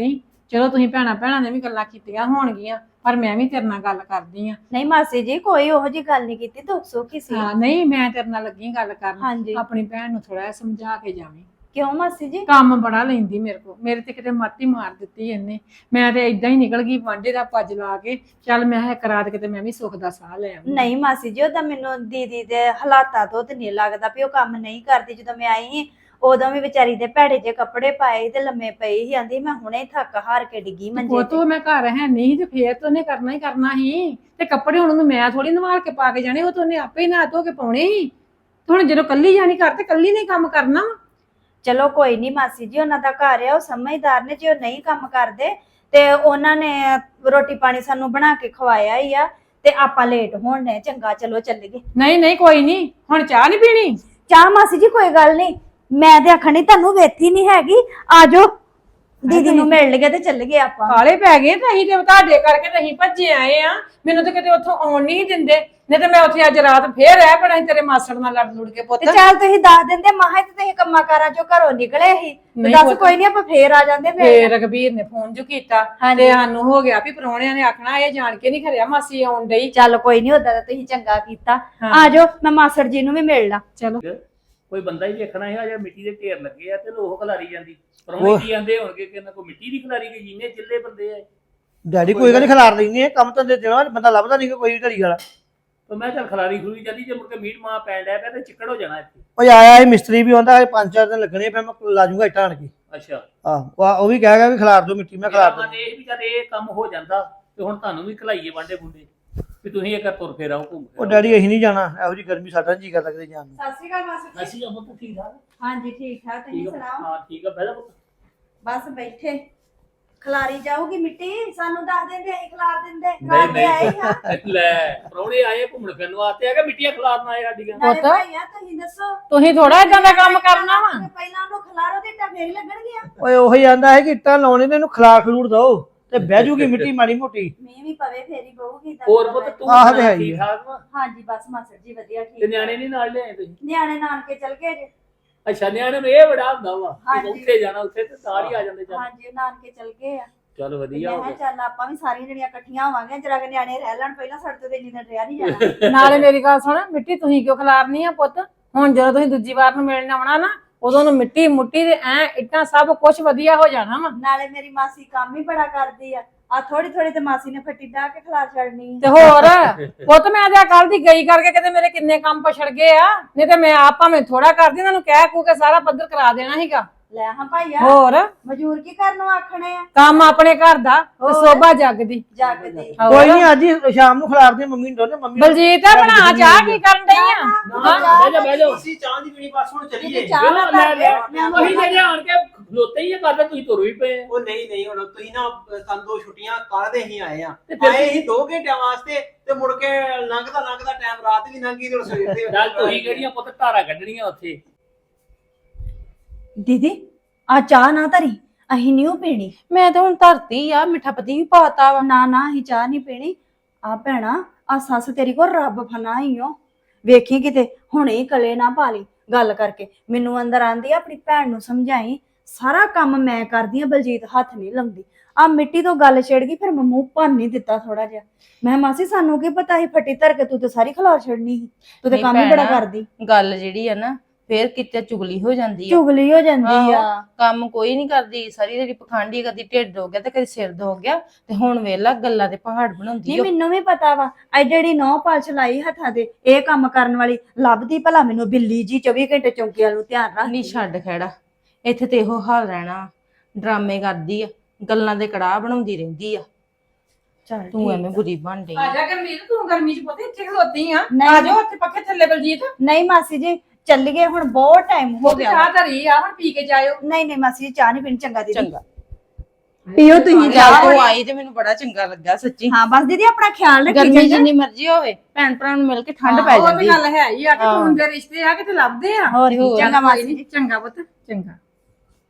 Speaker 6: ਚਲੋ ਤੁਸੀਂ ਭੈਣਾਂ ਭੈਣਾਂ ਨੇ ਵੀ ਗੱਲਾਂ ਕੀਤੀਆਂ ਹੋਣਗੀਆਂ, ਪਰ ਮੈਂ ਵੀ ਤੇਰੇ ਨਾਲ ਗੱਲ ਕਰਦੀ ਆ।
Speaker 3: ਨਹੀਂ ਮਾਸੀ ਜੀ ਕੋਈ ਉਹੋ ਜੀ ਗੱਲ ਨਹੀਂ ਕੀਤੀ, ਦੁੱਖ ਸੁੱਖ ਹੀ ਸੀ।
Speaker 6: ਹਾਂ ਨਹੀਂ, ਮੈਂ ਤੇਰੇ ਨਾਲ ਲੱਗੀ ਗੱਲ ਕਰਨ।
Speaker 3: ਹਾਂਜੀ।
Speaker 6: ਆਪਣੀ ਭੈਣ ਨੂੰ ਥੋੜਾ ਜਿਹਾ ਸਮਝਾ ਕੇ ਜਾਵੀਂ।
Speaker 3: ਕਿਉਂ ਮਾਸੀ ਜੀ?
Speaker 6: ਕੰਮ ਬੜਾ ਲੈਂਦੀ ਮੇਰੇ ਕੋ, ਮੇਰੇ ਤੇ ਕਿਤੇ ਮੱਤ ਹੀ ਮਾਰ ਦਿੱਤੀ ਇਹਨੇ। ਮੈਂ ਤੇ ਇਦਾਂ ਹੀ ਨਿਕਲ ਗਈ ਵਾਂਢੇ ਦਾ ਪੱਜ ਲਾ ਕੇ, ਚੱਲ ਮੈਂ ਇੱਕ ਰਾਤ ਕਿਤੇ ਮੈਂ ਵੀ ਸੁੱਖ ਦਾ ਸਾਹ ਲੈ ਆਵਾਂ।
Speaker 3: ਨਹੀਂ ਮਾਸੀ ਜੀ, ਉਹ ਤਾਂ ਮੈਨੂੰ ਦੀਦੀ ਦੇ ਹਾਲਾਤਾਂ ਤੋਂ ਤੇ ਨਹੀਂ ਲੱਗਦਾ ਵੀ ਉਹ ਕੰਮ ਨਹੀਂ ਕਰਦੀ। ਜਦੋਂ ਮੈਂ ਆਈ ਸੀ ਉਦੋਂ ਵੀ ਵਿਚਾਰੀ ਦੇ ਭੈੜੇ ਜਿਹੇ ਕੱਪੜੇ ਪਾਏ ਤੇ ਲੰਮੇ ਪਈ ਸੀ, ਆਂਦੀ ਮੈਂ ਹੁਣੇ ਥੱਕ ਹਾਰ ਕੇ ਡਿੱਗੀ ਮੰਜੇ
Speaker 6: ਉਹ
Speaker 3: ਤੇ।
Speaker 6: ਤੋਂ ਮੈਂ ਘਰ ਹੈ ਨਹੀਂ ਤੇ ਫੇਰ ਤਾਂ ਉਹਨੇ ਕਰਨਾ ਹੀ ਕਰਨਾ ਸੀ। ਤੇ ਕੱਪੜੇ ਹੁਣ ਉਹਨੂੰ ਮੈਂ ਥੋੜੀ ਨਵਾਲ ਕੇ ਪਾ ਕੇ ਜਾਣੇ, ਉਹ ਤਾਂ ਉਹਨੇ ਆਪੇ ਹੀ ਨਹਾ ਧੋ ਕੇ ਪਾਉਣੇ ਸੀ। ਤੇ ਹੁਣ ਜਦੋਂ ਕੱਲੀ ਜਾਣੀ ਘਰ ਤੇ ਕੱਲੀ ਨੇ ਕੰਮ ਕਰਨਾ ਵਾ।
Speaker 3: ਚਲੋ ਕੋਈ ਨਹੀਂ ਮਾਸੀ ਜੀ, ਉਹਨਾਂ ਦਾ ਘਰ ਆ, ਉਹ ਸਮਝਦਾਰ ਨੇ। ਜੇ ਉਹ ਨਹੀਂ ਕੰਮ ਕਰਦੇ ਤੇ ਉਹਨਾਂ ਨੇ ਰੋਟੀ ਪਾਣੀ ਸਾਨੂੰ ਬਣਾ ਕੇ ਖਵਾਇਆ ਹੀ ਆ, ਤੇ ਆਪਾਂ ਲੇਟ ਹੋਣ ਨੇ। ਚੰਗਾ ਚਲੋ ਚੱਲੀਏ।
Speaker 6: ਨਹੀਂ ਨਹੀਂ ਕੋਈ ਨਹੀਂ, ਹੁਣ ਚਾਹ ਨਹੀਂ ਪੀਣੀ?
Speaker 3: ਚਾਹ ਮਾਸੀ ਜੀ ਕੋਈ ਗੱਲ ਨਹੀਂ, ਮੈਂ ਤੇ ਆਖਣੀ ਤੁਹਾਨੂੰ ਵੇਖੀ ਨਹੀਂ ਹੈਗੀ, ਆਜੋ ਦੀਦੀ ਨੂੰ ਮਿਲ ਲਈਏ ਤੇ ਚੱਲ ਗਏ ਆਪਾਂ।
Speaker 6: ਕਾਲੇ ਪੈ ਗਏ ਤੇ ਅਸੀਂ ਤੇ ਤੁਹਾਡੇ ਕਰਕੇ ਤੇ ਅਸੀਂ ਭੱਜੇ ਆਏ ਆ। ਮੈਨੂੰ ਤਾਂ ਕਿਤੇ ਉੱਥੋਂ ਆਉਣ ਨਹੀਂ ਦਿੰਦੇ, ਨਹੀਂ ਤੇ ਮੈਂ ਉੱਥੇ ਅੱਜ ਰਾਤ ਫੇਰ ਰਹਿ ਪਣਾ ਸੀ ਤੇਰੇ ਮਾਸੜ ਨਾਲ ਲੜ ਲੁੜ ਕੇ। ਪੁੱਤ
Speaker 3: ਤੇ ਚੱਲ ਤੁਸੀਂ ਦੱਸ ਦਿੰਦੇ, ਮਾਹਾਂ ਤੇ ਤੁਸੀਂ ਕੰਮਾਂ ਕਾਰਾਂ ਚੋਂ ਘਰੋਂ ਨਿਕਲੇ ਸੀ, ਤੇ
Speaker 6: ਨਹੀਂ
Speaker 3: ਦੱਸ
Speaker 6: ਪੁੱਤ।
Speaker 3: ਕੋਈ ਨਹੀਂ ਆਪਾਂ ਫੇਰ ਆ ਜਾਂਦੇ।
Speaker 6: ਫੇਰ ਰਘਬੀਰ ਨੇ ਫੋਨ ਜੋ ਕੀਤਾ
Speaker 3: ਹਾਂਜੀ।
Speaker 6: ਤੇ ਸਾਨੂੰ ਹੋ ਗਿਆ ਵੀ ਪ੍ਰਾਹੁਣਿਆਂ ਨੇ ਆਖਣਾ ਇਹ ਜਾਣ ਕੇ ਨਹੀਂ ਖਰਿਆ ਮਾਸੀ ਆਉਣ ਡਈ।
Speaker 3: ਚੱਲ ਕੋਈ ਨਹੀਂ, ਉਦਾਂ ਤਾਂ ਤੁਸੀਂ ਚੰਗਾ ਕੀਤਾ।
Speaker 6: ਹਾਂ।
Speaker 3: ਆਜੋ ਮੈਂ ਮਾਸੜ ਜੀ ਨੂੰ ਵੀ ਮਿਲ ਲਾਂ।
Speaker 6: ਚਲੋ
Speaker 5: ਕੋਈ ਬੰਦਾ ਹੀ ਵੇਖਣਾ ਹੈ ਜਾਂ ਮਿੱਟੀ ਦੇ ਢੇਰ ਲੱਗੇ ਆ ਤੇ ਲੋਕ ਖਲਾਰੀ ਜਾਂਦੀ। ਪਰੋਣੇ ਕੀ ਜਾਂਦੇ ਹੋਣਗੇ ਕਿ ਇਹਨਾਂ ਕੋ ਮਿੱਟੀ ਦੀ ਖਲਾਰੀ ਗਈ, ਜਿੰਨੇ ਜਿੱਲੇ ਬੰਦੇ ਆ।
Speaker 2: ਡੈਡੀ ਕੋਈ ਗੱਲ ਨਹੀਂ, ਖਿਲਾਰ ਲੈਂਦੇ ਆ, ਕੰਮ ਤਾਂ ਦੇ ਦੇਣਾ, ਬੰਦਾ ਲੱਭਦਾ ਨਹੀਂ ਕੋਈ ਘੜੀ ਵਾਲਾ।
Speaker 5: ਤੇ ਮੈਂ ਚੱਲ ਖਲਾਰੀ ਖਲੂਰੀ ਜਾਂਦੀ, ਜੇ ਮੁੜ ਕੇ ਮੀਟ ਮਾਂ ਪੈਣ ਡਿਆ ਪਿਆ ਤੇ ਚਿੱਕੜ ਹੋ ਜਾਣਾ ਇੱਥੇ।
Speaker 2: ਉਹ ਆਇਆ ਇਹ ਮਿਸਤਰੀ ਵੀ ਆਉਂਦਾ, 5-4 ਦਿਨ ਲੱਗਣੇ, ਫਿਰ ਮੈਂ ਲਾ ਜੂੰਗਾ ਇੱਟਾਂ ਆਣ ਕੇ।
Speaker 5: ਅੱਛਾ,
Speaker 2: ਉਹ ਵੀ ਕਹੇਗਾ ਵੀ ਖਿਲਾਰ ਦਿਓ ਮਿੱਟੀ, ਮੈਂ ਖਿਲਾਰ
Speaker 5: ਮੇਰਾ ਮਨ ਇਹ ਵੀ ਚੱਲ ਇਹ ਕੰਮ ਹੋ ਜਾਂਦਾ ਤੇ ਹੁਣ ਤੁਹਾਨੂੰ ਵੀ ਖਲਾਈਏ ਵਾਂਡੇ ਬੁੰਡੇ ਵੀ ਤੁਸੀਂ ਇੱਕ ਤੁਰ ਫੇਰ ਆਓ, ਘੁੰਮ
Speaker 2: ਉਹ ਡੈਡੀ ਅਸੀਂ ਨਹੀਂ ਜਾਣਾ, ਇਹੋ ਜਿਹੀ ਗਰਮੀ ਸਾਡਾ ਜੀ ਕਰਦਾ ਕਿਤੇ ਜਾਣ ਨੂੰ।
Speaker 3: ਸਤਿ ਸ਼੍ਰੀ ਅਕਾਲ ਮਾਸੜ ਜੀ।
Speaker 5: ਅਸੀਂ ਆਪਾਂ ਠੀਕ ਠਾਕ।
Speaker 3: ਹਾਂਜੀ ਠੀਕ ਠਾਕ, ਤੁਸੀਂ
Speaker 5: ਠੀਕ ਆ,
Speaker 3: ਸੁਣਾਓ?
Speaker 5: ਹਾਂ ਠੀਕ ਆ, ਬਹਿ ਜਾ ਪੁੱਤ।
Speaker 3: ਬਸ ਬੈਠੇ। ਖਲਾਰੀ ਜਾਊਗੀ ਮਿੱਟੀ, ਸਾਨੂੰ ਦੱਸ ਦਿੰਦੇ, ਅਸੀਂ ਖਲਾਰ ਦਿੰਦੇ।
Speaker 5: ਨਹੀਂ
Speaker 3: ਰਾਤ ਦੇ ਆਏ ਹਾਂ।
Speaker 5: ਨਹੀਂ ਲੈ, ਪਰੌਣੇ ਆਏ ਘੁੰਮਣ ਫਿਰਨ ਵਾਸਤੇ ਆ ਕਿ ਮਿੱਟੀਆਂ ਖਲਾਰਨ ਆਏ ਸਾਡੀਆਂ।
Speaker 3: ਨਾਲੇ
Speaker 6: ਪੁੱਤ।
Speaker 3: ਭਾਈਆ ਤੁਸੀਂ ਦੱਸੋ,
Speaker 6: ਤੁਸੀਂ ਥੋੜਾ ਏਦਾਂ ਦਾ ਕੰਮ ਕਰਨਾ ਵਾ।
Speaker 3: ਪਹਿਲਾਂ ਉਹਨੂੰ ਖਲਾਰੋ ਤੇ ਇੱਟਾਂ ਫੇਰ ਹੀ ਲੱਗਣਗੀਆਂ।
Speaker 2: ਓਏ ਉਹੀ ਆਂਦਾ ਹੈ ਕਿ ਇੱਟਾਂ ਲਾਉਣੇ ਨੇ, ਇਹਨੂੰ ਖਿਲਾਰ ਖਲੂਰ ਦਓ ਤੇ ਬਹਿ ਜੂਗੀ ਮਿੱਟੀ ਮਾੜੀ ਮੋਟੀ।
Speaker 3: ਮੀਂਹ ਵੀ ਪਵੇ ਫੇਰ ਹੀ ਬਹੂਗੀ। ਤਾਂ
Speaker 5: ਹੋਰ ਪੁੱਤ ਤੂੰ
Speaker 2: ਆਹ ਤੇ ਹੈ ਹੀ
Speaker 5: ਠੀਕ ਠਾਕ ਵਾ?
Speaker 3: ਹਾਂਜੀ ਬਸ ਮਾਸੜ ਜੀ ਵਧੀਆ
Speaker 5: ਤੇ
Speaker 3: ਠੀਕ।
Speaker 5: ਨਿਆਣੇ ਨਹੀਂ ਨਾਲ ਲਿਆਏ ਤੁਸੀਂ?
Speaker 3: ਨਿਆਣੇ ਨਾਨਕੇ ਚਲ ਗਏ ਜੇ।
Speaker 5: ਅੱਛਾ, ਨਿਆਣੇ ਨੂੰ ਇਹ ਬੜਾ ਹੁੰਦਾ ਵਾ ਕਿ
Speaker 3: ਹਾਂਜੀ।
Speaker 5: ਉੱਥੇ ਜਾਣਾ, ਉੱਥੇ ਤੇ ਨਾਲ ਹੀ ਆ ਜਾਂਦੇ। ਚੱਲ
Speaker 3: ਹਾਂਜੀ ਉਹ ਨਾਨਕੇ ਚਲ ਗਏ ਆ।
Speaker 5: ਚੱਲ ਵਧੀਆ ਹੋ
Speaker 3: ਮੈਂ
Speaker 5: ਗਿਆ।
Speaker 3: ਕਿਹਾ ਚੱਲ ਆਪਾਂ ਵੀ ਸਾਰੀਆਂ ਜਣੀਆਂ ਇਕੱਠੀਆਂ ਹੋਵਾਂਗੇ, ਜਰਾ ਕਿ ਨਿਆਣੇ ਰਹਿ ਲੈਣ ਪਹਿਲਾਂ, ਸਾਡੇ ਤੋਂ ਇੰਨੀ ਦਿਨ ਰਿਹਾ ਨਹੀਂ ਜਾਣਾ।
Speaker 6: ਨਾਲੇ ਮੇਰੀ ਗੱਲ ਸੁਣ, ਮਿੱਟੀ ਤੁਸੀਂ ਕਿਉਂ ਖਿਲਾਰਨੀ ਆ ਪੁੱਤ? ਹੁਣ ਜਦੋਂ ਤੁਸੀਂ ਦੂਜੀ ਵਾਰ ਨੂੰ ਮਿਲਣ ਆਉਣਾ ਨਾ, ਉਦੋਂ ਨੂੰ ਮਿੱਟੀ ਮੁੱਟੀ ਤੇ ਐ ਇੱਟਾਂ ਸਭ ਕੁਝ ਵਧੀਆ ਹੋ ਜਾਣਾ ਵਾ।
Speaker 3: ਨਾਲੇ ਮੇਰੀ ਮਾਸੀ ਕੰਮ ਹੀ ਬੜਾ ਕਰਦੀ ਆ ਥੋੜੀ ਥੋੜੀ ਤੇ ਮਾਸੀ ਨੇ ਫੱਟੀ ਡਾ ਕੇ ਖਿਲਾਰ ਛੱਡਣੀ
Speaker 6: ਤੇ ਹੋਰ ਪੁੱਤ, ਮੈਂ ਤਾਂ ਕੱਲ ਦੀ ਗਈ ਕਰਕੇ ਕਿਤੇ ਮੇਰੇ ਕਿੰਨੇ ਕੰਮ ਪਛੜ ਗਏ ਆ। ਨਹੀਂ ਤੇ ਮੈਂ ਆਪ ਭਾਵੇਂ ਥੋੜਾ ਕਰਦੀ, ਇਹਨਾਂ ਨੂੰ ਕਹਿ ਕੂ ਕੇ ਸਾਰਾ ਪੱਧਰ ਕਰਾ ਦੇਣਾ ਸੀਗਾ।
Speaker 3: ਲੈ ਹਾਂ ਭਾਈਆ,
Speaker 6: ਹੋਰ
Speaker 3: ਮਜ਼ਦੂਰ ਕੀ ਕਰਨ ਨੂੰ ਆਖਣੇ ਆ,
Speaker 6: ਕੰਮ ਆਪਣੇ ਘਰ ਦਾ ਤੇ ਸੋਭਾ ਜੱਗ ਦੀ।
Speaker 3: ਜੱਗ ਦੀ।
Speaker 2: ਕੋਈ ਨਹੀਂ, ਅੱਜ ਹੀ ਸ਼ਾਮ ਨੂੰ ਖਿਲਾਰਦੇ ਮੰਮੀ ਨੂੰ ਦੋਨੇ। ਮੰਮੀ
Speaker 6: ਬਲਜੀਤ ਬਣਾ ਚਾਹ, ਕੀ ਕਰਨ ਡਈ ਆ?
Speaker 5: ਬਹਿ ਜਾ ਬਹਿ ਜਾ।
Speaker 1: ਅਸੀਂ ਚਾਹ ਦੀ ਪੀਣੀ, ਬਸ ਹੁਣ ਚੱਲੀਏ।
Speaker 3: ਚਾਹ ਨਾ
Speaker 5: ਲੈ ਲੈ,
Speaker 3: ਮੈਂ
Speaker 5: ਤੁਸੀਂ ਜਿਹੜੇ ਆਣ ਕੇ ਖਲੋਤੇ ਹੀ ਆ ਕਰਦੇ, ਤੁਸੀਂ ਤੁਰ ਵੀ ਪਏ।
Speaker 1: ਉਹ ਨਹੀਂ ਹੁਣ ਤੁਸੀਂ ਨਾ ਸਾਨੂੰ 2 ਛੁੱਟੀਆਂ ਕੱਲ੍ਹ ਹੀ ਆਏ ਆ।
Speaker 5: ਤੇ ਫਿਰ
Speaker 1: ਆਏ ਹੀ 2 ਘੰਟਿਆਂ ਵਾਸਤੇ ਤੇ ਮੁੜ ਕੇ ਲੰਘਦਾ ਟਾਈਮ ਰਾਤ ਵੀ ਲੰਘੀ ਤੇ ਸਵੇਰ ਦੇ
Speaker 5: ਨਾਲ ਤੁਸੀਂ ਕਿਹੜੀਆਂ ਪੁੱਤ ਧਾਰਾਂ ਕੱਢਣੀਆਂ ਉੱਥੇ?
Speaker 3: ਦੀਦੀ ਆ ਚਾਹ ਨਾ ਧਰੀ, ਅਸੀਂ ਨਹੀਂ ਉਹ ਪੀਣੀ।
Speaker 4: ਮੈਂ ਤਾਂ ਹੁਣ ਧਰਤੀ ਆ, ਮਿੱਠਾ ਪਤੀ ਵੀ ਪਾਤਾ ਵਾ।
Speaker 3: ਨਾ ਨਾ ਅਸੀਂ ਚਾਹ ਨਹੀਂ ਪੀਣੀ। ਆ ਭੈਣਾ, ਆ ਸੱਸ ਤੇਰੀ ਕੋ ਰੱਬ ਫਨਾ ਹੀ ਓ, ਵੇਖੀ ਕਿਤੇ ਹੁਣੇ ਹੀ ਕਲੇ ਨਾ ਪਾ ਲਈ ਗੱਲ ਕਰਕੇ। ਮੈਨੂੰ ਅੰਦਰ ਆਂਦੀ ਆ, ਆਪਣੀ ਭੈਣ ਨੂੰ ਸਮਝਾਈ, ਸਾਰਾ ਕੰਮ ਮੈਂ ਕਰਦੀ ਆ, ਬਲਜੀਤ ਹੱਥ ਨਹੀਂ ਲਾਉਂਦੀ। ਆ ਮਿੱਟੀ ਤੋਂ ਗੱਲ ਛੇੜ ਗਈ, ਫਿਰ ਮੈਂ ਮੂੰਹ ਭੰਨ ਨਹੀਂ ਦਿੱਤਾ ਥੋੜਾ ਜਿਹਾ। ਮੈਂ ਮਾਸੀ ਸਾਨੂੰ ਕੀ ਪਤਾ ਸੀ ਫੱਟੀ ਧਰ ਕੇ ਤੂੰ ਤੇ ਸਾਰੀ ਖਲਾਰ ਛੱਡਣੀ ਸੀ, ਤੂੰ ਤੇ
Speaker 4: ਨਹੀਂ
Speaker 3: ਕੰਮ ਹੀ ਬੜਾ
Speaker 4: ਭੈਣਾ,
Speaker 3: ਕਰਦੀ।
Speaker 4: ਗੱਲ ਜਿਹੜੀ ਆ ਨਾ, ਫੇਰ ਕਿਤੇ ਚੁਗਲੀ ਹੋ ਜਾਂਦੀ ਆ।
Speaker 3: ਚੁਗਲੀ ਹੋ ਜਾਂਦੀ ਆ।
Speaker 4: ਆਹੋ, ਕੰਮ ਕੋਈ ਨਹੀਂ ਕਰਦੀ, ਸਾਰੀ ਜਿਹੜੀ ਪਖੰਡੀ, ਕਦੀ ਢਿੱਡ ਹੋ ਗਿਆ ਤੇ ਕਦੀ ਸਿਰ ਹੋ ਗਿਆ, ਤੇ ਹੁਣ ਵੇਲਾ ਗੱਲਾਂ ਦੇ ਪਹਾੜ ਬਣਾਉਂਦੀ
Speaker 3: ਨਹੀਂ
Speaker 4: ਓ।
Speaker 3: ਮੈਨੂੰ ਵੀ ਪਤਾ ਵਾ, ਐ ਜਿਹੜੀ ਨੌ ਪਾਲ ਚਲਾਈ ਹੱਥਾਂ ਦੇ, ਇਹ ਕੰਮ ਕਰਨ ਵਾਲੀ ਲੱਭਦੀ ਭਲਾ ਮੈਨੂੰ ਬਿੱਲੀ ਜੀ 24 ਘੰਟੇ ਚੌਂਕੀ ਵੱਲ ਨੂੰ ਧਿਆਨ ਰੱਖ।
Speaker 4: ਨਹੀਂ ਛੱਡ ਖੜਾ, ਇੱਥੇ ਤੇ ਇਹੋ ਹਾਲ ਰਹਿਣਾ। ਡਰਾਮੇ ਕਰਦੀ ਆ, ਗੱਲਾਂ ਦੇ ਕੜਾਹ ਬਣਾਉਂਦੀ ਰਹਿੰਦੀ ਆ।
Speaker 3: ਚੱਲ
Speaker 4: ਤੂੰ ਐਵੇਂ ਬੁਰੀ ਬਣ ਰਹੀ
Speaker 6: ਆ
Speaker 4: ਆ।
Speaker 6: ਜਾ ਗਰਮੀਤ, ਤੂੰ ਗਰਮੀ ਚ ਪੁੱਤ ਇੱਥੇ ਖਲੋਤੀ ਆ।
Speaker 3: ਨਹੀਂ।
Speaker 6: ਆ ਜਾਓ ਉੱਥੇ ਪੱਖੇ ਥੱਲੇ ਬਲਜੀਤ।
Speaker 3: ਨਹੀਂ ਮਾਸੀ ਜੀ ਚੱਲੀਏ, ਹੁਣ ਬਹੁਤ ਟਾਈਮ ਹੋ ਗਿਆ ਵਾ।
Speaker 6: ਚਾਹ ਧਰੀ ਆ, ਹੁਣ ਪੀ ਕੇ ਜਾਇਓ।
Speaker 3: ਨਹੀਂ ਮਾਸੀ ਜੀ ਚਾਹ ਨਹੀਂ ਪੀਣੀ, ਚੰਗਾ ਦੀਦੀ।
Speaker 4: ਚੰਗਾ,
Speaker 3: ਪੀਓ ਤੁਸੀਂ
Speaker 4: ਜਾ
Speaker 3: ਚਾਹ।
Speaker 4: ਤੂੰ ਆਈ ਤੇ ਮੈਨੂੰ ਬੜਾ ਚੰਗਾ ਲੱਗਾ ਸੱਚੀ।
Speaker 3: ਹਾਂ ਬਸ ਦੀਦੀ ਆਪਣਾ ਖਿਆਲ ਰੱਖੀ
Speaker 4: ਗਰਮੀ
Speaker 3: ਚੰਗਾ।
Speaker 4: ਜਿੰਨੀ ਮਰਜ਼ੀ ਹੋਵੇ, ਭੈਣ ਭਰਾ ਨੂੰ ਮਿਲ ਕੇ ਠੰਡ ਪੈ
Speaker 6: ਉਹ
Speaker 4: ਜਾਂਦੀ
Speaker 6: ਤੇ
Speaker 4: ਆ।
Speaker 6: ਗੱਲ ਹੈ ਹੀ ਆ ਕਿ ਖੂਨ ਦੇ ਰਿਸ਼ਤੇ ਆ, ਕਿਤੇ ਲੱਭਦੇ ਆ।
Speaker 3: ਹੋਰ ਕੀ,
Speaker 6: ਚੱਲ
Speaker 3: ਚੰਗਾ
Speaker 6: ਕੋਈ
Speaker 3: ਮਾਸੀ
Speaker 6: ਨੀ,
Speaker 3: ਜੀ।
Speaker 6: ਚੰਗਾ ਪੁੱਤ, ਚੰਗਾ।